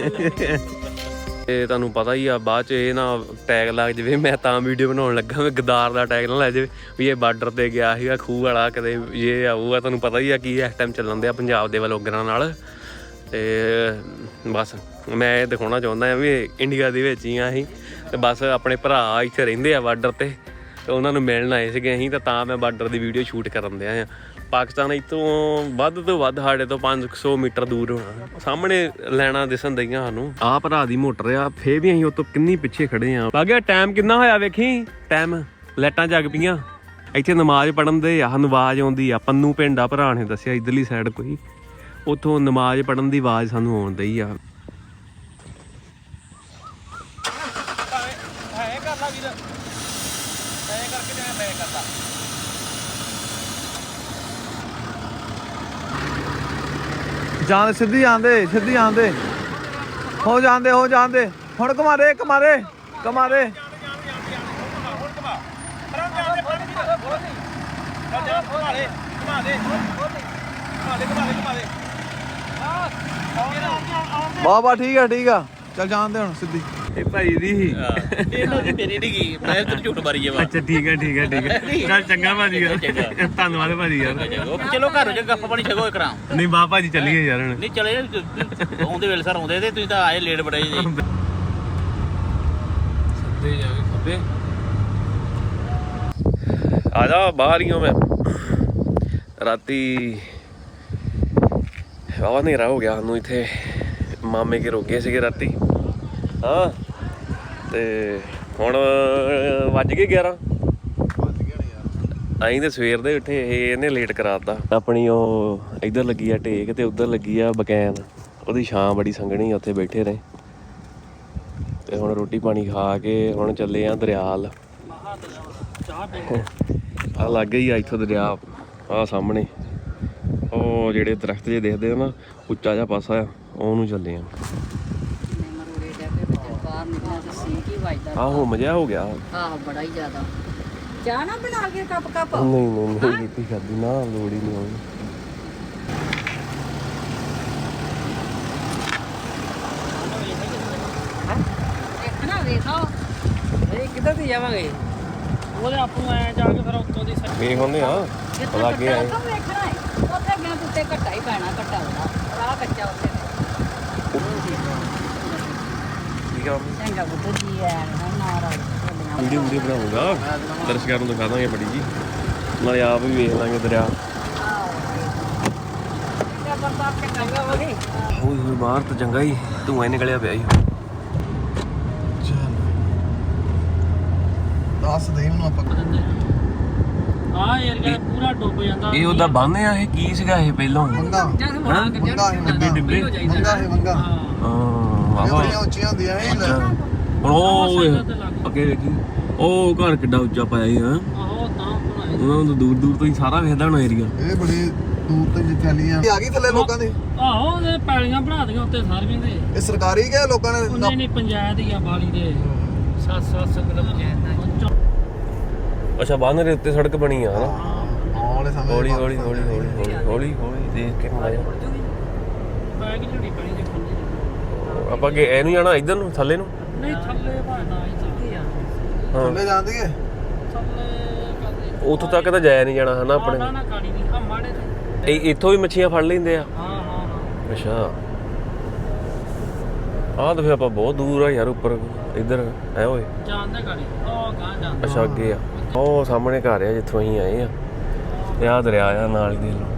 Speaker 1: ਇਹ ਤੁਹਾਨੂੰ ਪਤਾ ਹੀ ਆ ਬਾਅਦ ਚ ਇਹ ਨਾ ਟੈਗ ਲੱਗ ਜਾਵੇ ਮੈਂ ਤਾਂ ਵੀਡੀਓ ਬਣਾਉਣ ਲੱਗਾ ਮੈਂ ਗਦਾਰ ਦਾ ਟੈਗ ਨਾ ਲੈ ਜਾਵੇ ਵੀ ਇਹ ਬਾਰਡਰ ਤੇ ਗਿਆ ਸੀਗਾ ਖੂਹ ਵਾਲਾ ਕਦੇ ਇਹ ਆਊਗਾ ਤੁਹਾਨੂੰ ਪਤਾ ਹੀ ਆ ਕੀ ਇਸ ਟਾਈਮ ਚੱਲਣ ਦਿਆ ਪੰਜਾਬ ਦੇ ਵਲੋਗਰਾਂ ਨਾਲ ਤੇ ਬਸ ਮੈਂ ਇਹ ਦਿਖਾਉਣਾ ਚਾਹੁੰਦਾ ਆ ਵੀ ਇੰਡੀਆ ਦੇ ਵਿੱਚ ਹੀ ਆ ਅਸੀਂ ਤੇ ਬਸ ਆਪਣੇ ਭਰਾ ਇੱਥੇ ਰਹਿੰਦੇ ਆ ਬਾਰਡਰ ਤੇ ਤੇ ਉਹਨਾਂ ਨੂੰ ਮਿਲਣ ਆਏ ਸੀਗੇ ਅਸੀਂ ਤਾਂ ਤਾਂ ਮੈਂ ਬਾਰਡਰ ਦੀ ਵੀਡੀਓ ਸ਼ੂਟ ਕਰਨ ਦਿਆ ਆ ਪਾਕਿਸਤਾਨ ਇੱਥੋਂ ਵੱਧ ਤੋਂ ਵੱਧ ਸਾਡੇ ਤੋਂ ਪੰਜ ਸੌ ਮੀਟਰ ਦੂਰ ਹੋਣਾ ਸਾਹਮਣੇ ਲੈਣਾ ਦਿਸਣ ਦਈਆਂ ਸਾਨੂੰ ਆਹ ਭਰਾ ਦੀ ਮੋਟਰ ਆ ਫੇਰ ਵੀ ਅਸੀਂ ਉਹ ਤੋਂ ਕਿੰਨੀ ਪਿੱਛੇ ਖੜੇ ਆ ਬਾਗਿਆ ਟਾਈਮ ਕਿੰਨਾ ਹੋਇਆ ਵੇਖੀ ਟਾਈਮ ਲਾਈਟਾਂ ਜਗ ਪਈਆਂ ਇੱਥੇ ਨਮਾਜ਼ ਪੜਨ ਦੇ ਆ ਨਮਾਜ਼ ਆਉਂਦੀ ਆ ਪੰਨੂ ਪਿੰਡ ਆ ਭਰਾ ਨੇ ਦੱਸਿਆ ਇਧਰਲੀ ਸਾਈਡ ਕੋਈ ਉੱਥੋਂ ਨਮਾਜ਼ ਪੜਨ ਦੀ ਆਵਾਜ਼ ਸਾਨੂੰ ਆਉਣ ਦਈ ਆ
Speaker 5: ਹੈ ਕਰ ਲਾ ਵੀਰ ਐ ਕਰਕੇ ਜਿਵੇਂ ਮੈਂ ਕਰਦਾ
Speaker 2: ਜਾਣ ਸਿੱਧੀ ਆਂਦੇ ਸਿੱਧੀ ਆਂਦੇ ਹੋ ਜਾਂਦੇ ਹੋ ਜਾਂਦੇ ਹੁਣ ਘਮਾਰੇ ਘਮਾਰੇ ਘਮਾਰੇ
Speaker 5: ਘੁਮਾ ਦੇ ਘੁਮਾ ਦੇ ਘੁਮਾ ਦੇ ਘੁਮਾ ਦੇ ਘੁਮਾ ਦੇ
Speaker 2: ਵਾਹ ਵਾਹ ਠੀਕ ਆ ਠੀਕ ਆ ਚੱਲ ਜਾਣਦੇ ਹੁਣ ਸਿੱਧੀ
Speaker 1: ਇਹ ਭਾਈ ਦੀ ਸੀ
Speaker 6: ਇਹਨਾਂ ਦੀ ਮੇਰੀ ਨਹੀਂ ਗਈ ਮੈਂ ਤੈਨੂੰ ਝੂਠ ਮਾਰੀ ਜਾਵਾ
Speaker 1: ਅੱਛਾ ਠੀਕ ਹੈ ਠੀਕ ਹੈ ਠੀਕ ਹੈ ਚੱਲ ਚੰਗਾ ਭਾਜੀ ਯਾਰ ਧੰਨਵਾਦ ਭਾਜੀ ਯਾਰ
Speaker 6: ਚਲੋ ਘਰ ਜਾ ਗੱਪ ਪਾਣੀ ਛਕੋ ਕਰਾਂ
Speaker 1: ਨਹੀਂ ਬਾਹ ਭਾਜੀ ਚੱਲੀਏ ਯਾਰ ਹੁਣ
Speaker 6: ਨਹੀਂ ਚਲੇ ਆਉਂਦੇ ਵੇਲੇ ਸਰ ਆਉਂਦੇ ਤੇ ਤੁਸੀਂ ਤਾਂ ਆਏ ਲੇਟ ਬੜੇ ਜੀ
Speaker 1: ਸਿੱਧੇ ਜਾ ਕੇ ਖੱਬੇ ਆ ਜਾ ਬਾਹਰ ਹੀ ਹਾਂ ਮੈਂ ਰਾਤੀ ਵਾਵਾ ਹਨੇਰਾ ਹੋ ਗਿਆ ਸਾਨੂੰ ਇੱਥੇ ਮਾਮੇ ਕੇ ਰੋਕੇ ਸੀਗੇ ਰਾਤੀ ਹਾਂ ਤੇ ਹੁਣ ਵੱਜ ਗਏ ਗਿਆਰਾਂ ਅਸੀਂ ਤੇ ਸਵੇਰ ਦੇ ਉੱਠੇ ਇਹ ਇਹਨੇ ਲੇਟ ਕਰਾਤਾ ਆਪਣੀ ਉਹ ਇੱਧਰ ਲੱਗੀ ਆ ਢੇਕ ਤੇ ਉੱਧਰ ਲੱਗੀ ਆ ਬਕੈਨ ਉਹਦੀ ਛਾਂ ਬੜੀ ਸੰਘਣੀ ਉੱਥੇ ਬੈਠੇ ਰਹੇ ਤੇ ਹੁਣ ਰੋਟੀ ਪਾਣੀ ਖਾ ਕੇ ਹੁਣ ਚੱਲੇ ਆ ਦਰਿਆਲ ਆ ਲੱਗੇ ਹੀ ਆ ਇੱਥੋਂ ਦਰਿਆ ਆ ਸਾਹਮਣੇ ਉਹ ਜਿਹੜੇ ਦਰਖਤ ਜੇ ਦੇਖਦੇ ਆ ਨਾ ਉੱਚਾ ਜਿਹਾ ਪਾਸਾ ਆ ਉਹਨੂੰ ਚੱਲੇ ਆ ਆਹੋ ਮਜ਼ਾ ਹੋ ਗਿਆ
Speaker 7: ਆਹ ਬੜਾ ਹੀ ਜ਼ਿਆਦਾ ਚਾਹ ਨਾ ਬਣਾ ਕੇ ਕੱਪ ਕੱਪ
Speaker 1: ਨਹੀਂ ਨਹੀਂ ਨਹੀਂ ਕੀਤੀ ਖਾਦੀ ਨਾ ਲੋੜ ਹੀ ਨਹੀਂ ਹੋਣੀ
Speaker 7: ਦੇਖਣਾ ਵੇਖੋ
Speaker 3: ਇਹ ਕਿੱਧਰ ਦੀ ਜਾਵਾਂਗੇ ਉਹਦੇ ਆਪ ਨੂੰ ਐ ਜਾ ਕੇ ਫਿਰ ਉੱਤੋਂ ਦੀ ਸੱਟ
Speaker 1: ਵੇਖ ਹੁੰਦੇ ਆ ਲਾਗੇ ਆਏ
Speaker 7: ਕੱਪ ਵੇਖਣਾ ਹੈ ਉੱਥੇ ਗਿਆ ਉੱਤੇ ਘੱਟਾ ਹੀ ਪੈਣਾ ਘੱਟਾ ਉਹਦਾ ਰਾਹ ਕੱਚਾ ਉੱਥੇ
Speaker 1: ਠੀਕ ਆ
Speaker 7: ਚੰਗਾ ਬੁੱਧ ਜੀ ਆ ਨਾ ਰਾਜ
Speaker 1: ਵੀਡੀਓ ਵੀਡੀਓ ਬਣਾਉਂਗਾ ਦਰਸ਼ਕਾਂ ਨੂੰ ਦਿਖਾ ਦਾਂਗੇ ਬੜੀ ਜੀ ਨਾਲੇ ਆਪ ਵੀ ਵੇਖ ਲਾਂਗੇ ਦਰਿਆ
Speaker 7: ਤੇ ਬਰਸਾਤ ਕੇ ਚੰਗਾ ਹੋ ਗਈ
Speaker 1: ਹੋਈ ਹੋਈ ਬਾਹਰ ਤਾਂ ਚੰਗਾ ਹੀ ਧੂਆਂ ਨਿਕਲਿਆ ਪਿਆ ਹੀ
Speaker 2: ਦੱਸ ਦੇ ਇਹਨੂੰ ਆਪਾਂ
Speaker 3: ਆ ਏਰੀਆ ਪੂਰਾ ਡੁੱਬ ਜਾਂਦਾ
Speaker 1: ਇਹ ਉਹਦਾ ਬੰਨ ਆ ਇਹ ਕੀ ਸੀਗਾ ਇਹ ਪਹਿਲਾਂ
Speaker 2: ਮੰਗਾ
Speaker 7: ਜਦ ਬਣਾ ਕੇ
Speaker 2: ਮੰਗਾ ਹੀ ਮੰਗਾ
Speaker 1: ਡਿੱਬੇ
Speaker 2: ਮੰਗਾ ਹੀ ਮੰਗਾ
Speaker 1: ਹਾਂ
Speaker 2: ਇਹ
Speaker 1: ਵਾਵਾ
Speaker 2: ਬੜੀਆਂ ਉੱਚੀਆਂ ਹੁੰਦੀਆਂ ਇਹ ਲੈ।
Speaker 1: ਹੁਣ ਉਹ ਅੱਗੇ ਵੇਖੀ ਉਹ ਘਰ ਕਿੱਡਾ ਉੱਚਾ ਪਾਇਆ ਹੀ ਹਾਂ
Speaker 3: ਆਹੋ ਤਾਂ ਬਣਾਏ
Speaker 1: ਉਹਨਾਂ ਨੂੰ ਦੂਰ ਦੂਰ ਤੋਂ ਹੀ ਸਾਰਾ ਵੇਖਦਾ ਹੋਣਾ ਏਰੀਆ
Speaker 2: ਇਹ ਬੜੀ ਦੂਰ ਤੋਂ ਜਿੱਥੇ ਫੈਲੀਆਂ ਇਹ ਆ ਗਈ ਥੱਲੇ ਲੋਕਾਂ ਦੀ
Speaker 3: ਆਹੋ ਇਹ ਪੈਲੀਆਂ ਬਣਾ ਦੀਆਂ ਉੱਤੇ ਸਾਰੀਆਂ ਦੇ
Speaker 2: ਇਹ ਸਰਕਾਰੀ ਕਿ ਲੋਕਾਂ ਨੇ
Speaker 3: ਨਹੀਂ ਨਹੀਂ ਪੰਚਾਇਤ ਹੀ ਆ ਬਾਲੀ ਦੇ ਸੱਤ ਸੱਤ ਕਿਲੋ ਪੰਚਾਇਤ ਦਾ
Speaker 1: ਅੱਛਾ ਬੰਨ ਦੇ ਉੱਤੇ ਸੜਕ ਬਣੀ ਆ ਹਨਾ
Speaker 2: ਆਉਣ ਵਾਲੇ ਸਮੇਂ
Speaker 1: ਹੌਲੀ ਹੌਲੀ ਹੌਲੀ ਹੌਲੀ ਹੌਲੀ ਹੌਲੀ ਹੌਲੀ ਦੇਖ ਕੇ ਮਜ਼ਾ
Speaker 3: ਬੈਗ ਝੁੜੀ ਪਣੀ ਦੇ ਖੁੱਲੀ
Speaker 1: ਆਪਾਂ ਅੱਗੇ ਇਹਨੂੰ ਜਾਣਾ ਇੱਧਰ ਨੂੰ ਥੱਲੇ ਨੂੰ
Speaker 3: ਨਹੀਂ ਥੱਲੇ ਭਾਣਾ ਹੀ ਚੱਲਦੀ ਆ
Speaker 1: ਹਾਂ
Speaker 2: ਥੱਲੇ ਜਾਂਦੀ ਹੈ
Speaker 3: ਥੱਲੇ ਕਰਦੇ
Speaker 1: ਉੱਥੋਂ ਤੱਕ ਤਾਂ ਜਾਇਆ ਨਹੀਂ ਜਾਣਾ ਹਨਾ ਆਪਣੇ
Speaker 3: ਨਾ ਨਾ ਕਾੜੀ ਨਹੀਂ ਆ ਮਾੜੇ ਤੇ
Speaker 1: ਇਹ ਇੱਥੋਂ ਵੀ ਮੱਛੀਆਂ ਫੜ ਲੈਂਦੇ ਆ
Speaker 3: ਹਾਂ ਹਾਂ ਹਾਂ
Speaker 1: ਅੱਛਾ ਆਹ ਤਾਂ ਫਿਰ ਆਪਾਂ ਬਹੁਤ ਦੂਰ ਆ ਯਾਰ ਉੱਪਰ ਇੱਧਰ ਐ ਓਏ
Speaker 3: ਜਾਂਦੇ ਕਾੜੀ ਉਹ ਗਾਂ ਜਾਂਦਾ
Speaker 1: ਅੱਛਾ ਅੱਗੇ ਆ ਉਹ ਸਾਹਮਣੇ ਘਰ ਆ ਜਿੱਥੋਂ ਅਸੀਂ ਆਏ ਆ ਤੇ ਆਹ ਦਰਿਆ ਆ ਨਾਲ ਹੀ ਦੇ ਲੋ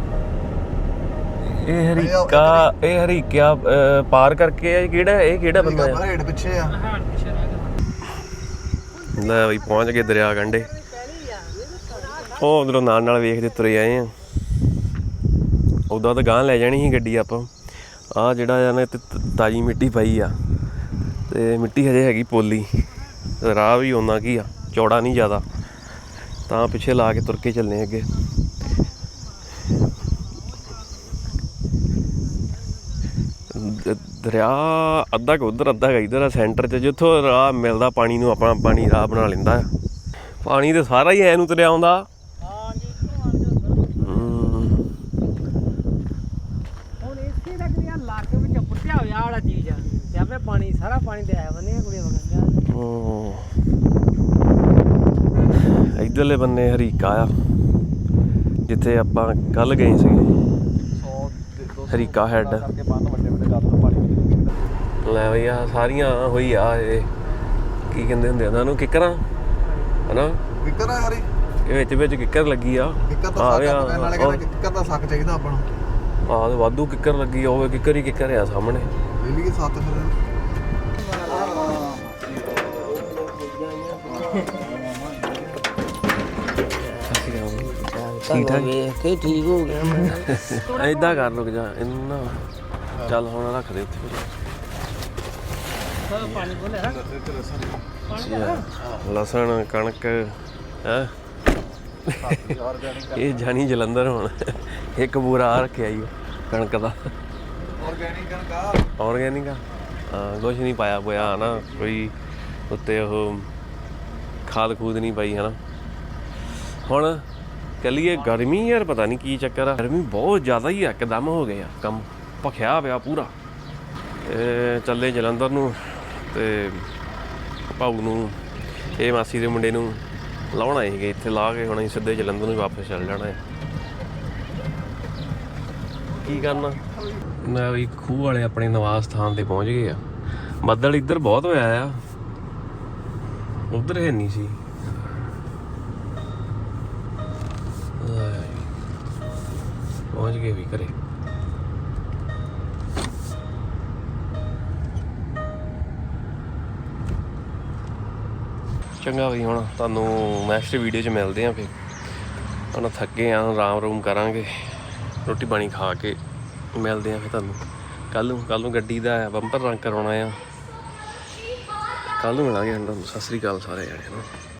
Speaker 1: ਇਹ ਹਰੀਕਾ ਇਹ ਹਰੀਕਿਆ ਅਹ, ਪਾਰ ਕਰਕੇ ਆ ਇਹ ਕਿਹੜਾ ਇਹ ਕਿਹੜਾ ਬੰਦਾ ਆ
Speaker 2: ਰੇਡ ਪਿੱਛੇ ਆ
Speaker 3: ਹਾੜ ਪਿਛੇ ਰਹਿ ਗਿਆ
Speaker 1: ਲੈ ਬਈ ਪਹੁੰਚ ਗਏ ਦਰਿਆ ਕੰਢੇ ਉਹ ਉਧਰੋਂ ਨਾਲ ਨਾਲ ਵੇਖਦੇ ਤੁਰੇ ਆਏ ਆ ਉਦਾਂ ਤਾਂ ਗਾਂਹ ਲੈ ਜਾਣੀ ਸੀ ਗੱਡੀ ਆਪਾਂ ਆਹ ਜਿਹੜਾ ਆ ਨਾ ਇੱਥੇ ਤ- ਤਾਜ਼ੀ ਮਿੱਟੀ ਪਈ ਆ ਤੇ ਮਿੱਟੀ ਹਜੇ ਹੈਗੀ ਪੋਲੀ ਰਾਹ ਵੀ ਉਹਨਾਂ ਕੀ ਆ ਚੌੜਾ ਨਹੀਂ ਜ਼ਿਆਦਾ ਤਾਂ ਪਿੱਛੇ ਲਾ ਕੇ ਤੁਰ ਕੇ ਚੱਲਨੇ ਅੱਗੇ ਦ- ਦਰਿਆ ਅੱਧਾ ਕੁ ਉੱਧਰ ਅੱਧਾ ਕੁ ਇੱਧਰ ਆ ਸੈਂਟਰ 'ਚ ਜਿੱਥੋਂ ਰਾਹ ਮਿਲਦਾ ਪਾਣੀ ਨੂੰ ਆਪਣਾ ਪਾਣੀ ਰਾਹ ਬਣਾ ਲੈਂਦਾ ਆ ਪਾਣੀ ਤੇ ਸਾਰਾ ਹੀ ਐ ਨੂੰ ਤੁਰਿਆ ਆਉਂਦਾ ਹਮ।
Speaker 3: ਹੁਣ ਇੱਥੇ ਤੱਕ ਦੀ ਲੱਕ ਵਿੱਚ ਪੁੱਟਿਆ ਹੋਇਆ ਵਾਲਾ ਚੀਜ਼ ਆ ਜਿਵੇਂ ਪਾਣੀ ਸਾਰਾ ਪਾਣੀ ਤੇ ਆਇਆ ਬੰਨੇ ਕੁੜੀ ਵਗੰਦਾ
Speaker 1: ਹਮ। ਇੱਧਰਲੇ ਬੰਨੇ ਹਰੀਕਾ ਆ ਜਿੱਥੇ ਆਪਾਂ ਕੱਲ ਗਏ ਸੀਗੇ ਹਰੀਕਾ ਹੈਡ ਲੈ ਬਈ ਆ ਸਾਰੀਆਂ ਹੋਈ ਆ ਇਹ ਕੀ ਕਹਿੰਦੇ ਹੁੰਦੇ ਉਹਨਾਂ ਨੂੰ ਕਿੱਕਰਾਂ ਹਨਾ
Speaker 2: ਵਿਕਰ ਆ ਹਰੀ
Speaker 1: ਇਹ ਵਿੱਚ ਵਿੱਚ ਕਿੱਕਰ ਲੱਗੀ ਆ
Speaker 2: ਵਿਕਰ ਤਾਂ
Speaker 1: ਆ
Speaker 2: ਸੱਕ ਆ, ਨਾਲੇ ਕਹਿੰਦੇ ਕਿੱਕਰ ਦਾ ਸੱਕ ਚਾਹੀਦਾ ਆਪਾਂ ਨੂੰ
Speaker 1: ਆਹ ਤੇ ਵਾਧੂ ਕਿੱਕਰ ਲੱਗੀ ਆ ਹੋਵੇ ਕਿੱਕਰ ਹੀ ਕਿੱਕਰ ਆ ਸਾਹਮਣੇ
Speaker 2: ਵੇਲੀ ਕੇ ਸੱਤ ਫਿਰ
Speaker 1: ਠੀਕ ਠਾਕ
Speaker 3: ਵੇਖ ਕੇ ਠੀਕ ਹੋ ਗਿਆ ਮੈਂ
Speaker 1: ਏਦਾਂ ਕਰ ਲੁਕ ਜਾ ਇਹਨੂੰ ਨਾ ਚੱਲ ਹੁਣ ਰੱਖ ਦੇ ਉੱਥੇ
Speaker 3: ਪਾਣੀ ਬੋਲੇ ਰੱਖ
Speaker 1: ਅੱਛਾ ਲਸਣ ਕਣਕ ਹੈ ਇਹ ਜਾਣੀ ਜਲੰਧਰ ਹੁਣ ਇੱਕ ਬੂਰਾ ਆ ਰੱਖਿਆ ਈ ਕਣਕ ਦਾ
Speaker 2: ਆਰਗੈਨਿਕ ਕਣਕਾ
Speaker 1: ਆਰਗੈਨਿਕ ਆ ਹਾਂ ਕੁਛ ਨਹੀਂ ਪਾਇਆ ਹੋਇਆ ਹਨਾ ਕੋਈ ਉੱਤੇ ਉਹ ਖਾਦ ਖੂਦ ਨਹੀਂ ਪਾਈ ਹਨਾ ਹੁਣ ਕਲੀਏ ਗਰਮੀ ਯਾਰ ਪਤਾ ਨਹੀਂ ਕੀ ਚੱਕਰ ਆ ਗਰਮੀ ਬਹੁਤ ਜ਼ਿਆਦਾ ਹੀ ਇੱਕਦਮ ਹੋ ਗਈ ਆ ਕੰਮ ਭਖਿਆ ਪਿਆ ਪੂਰਾ ਤੇ ਚੱਲੇ ਜਲੰਧਰ ਨੂੰ ਤੇ ਭਾਊ ਨੂੰ ਇਹ ਮਾਸੀ ਦੇ ਮੁੰਡੇ ਨੂੰ ਲਾਉਣਾ ਸੀਗੇ ਇੱਥੇ ਲਾ ਕੇ ਹੁਣ ਅਸੀਂ ਸਿੱਧੇ ਜਲੰਧਰ ਨੂੰ ਵਾਪਸ ਚੱਲ ਜਾਣਾ ਹੈ ਕੀ ਕਰਨਾ ਮੈਂ ਵੀ ਖੂਹ ਵਾਲੇ ਆਪਣੇ ਨਿਵਾਸ ਸਥਾਨ ਤੇ ਪਹੁੰਚ ਗਏ ਆ ਬੱਦਲ ਇੱਧਰ ਬਹੁਤ ਹੋਇਆ ਆ ਉਧਰ ਹੈ ਨਹੀਂ ਸੀ ਪਹੁੰਚ ਗਏ ਵੀ ਘਰੇ ਚੰਗਾ ਵੀ ਹੁਣ ਤੁਹਾਨੂੰ ਨੈਕਸਟ ਵੀਡੀਓ 'ਚ ਮਿਲਦੇ ਆ ਫਿਰ ਹੁਣ ਥੱਕੇ ਆ ਆਰਾਮ ਰੂਮ ਕਰਾਂਗੇ ਰੋਟੀ ਪਾਣੀ ਖਾ ਕੇ ਮਿਲਦੇ ਆ ਫਿਰ ਤੁਹਾਨੂੰ ਕੱਲ ਨੂੰ ਕੱਲ ਨੂੰ ਗੱਡੀ ਦਾ ਬੰਪਰ ਰੰਗ ਕਰਾਉਣਾ ਆ ਕੱਲ ਨੂੰ ਮਿਲਾਂਗੇ ਤੁਹਾਨੂੰ ਸਤਿ ਸ੍ਰੀ ਅਕਾਲ ਸਾਰੇ ਜਣੇ ਨੂੰ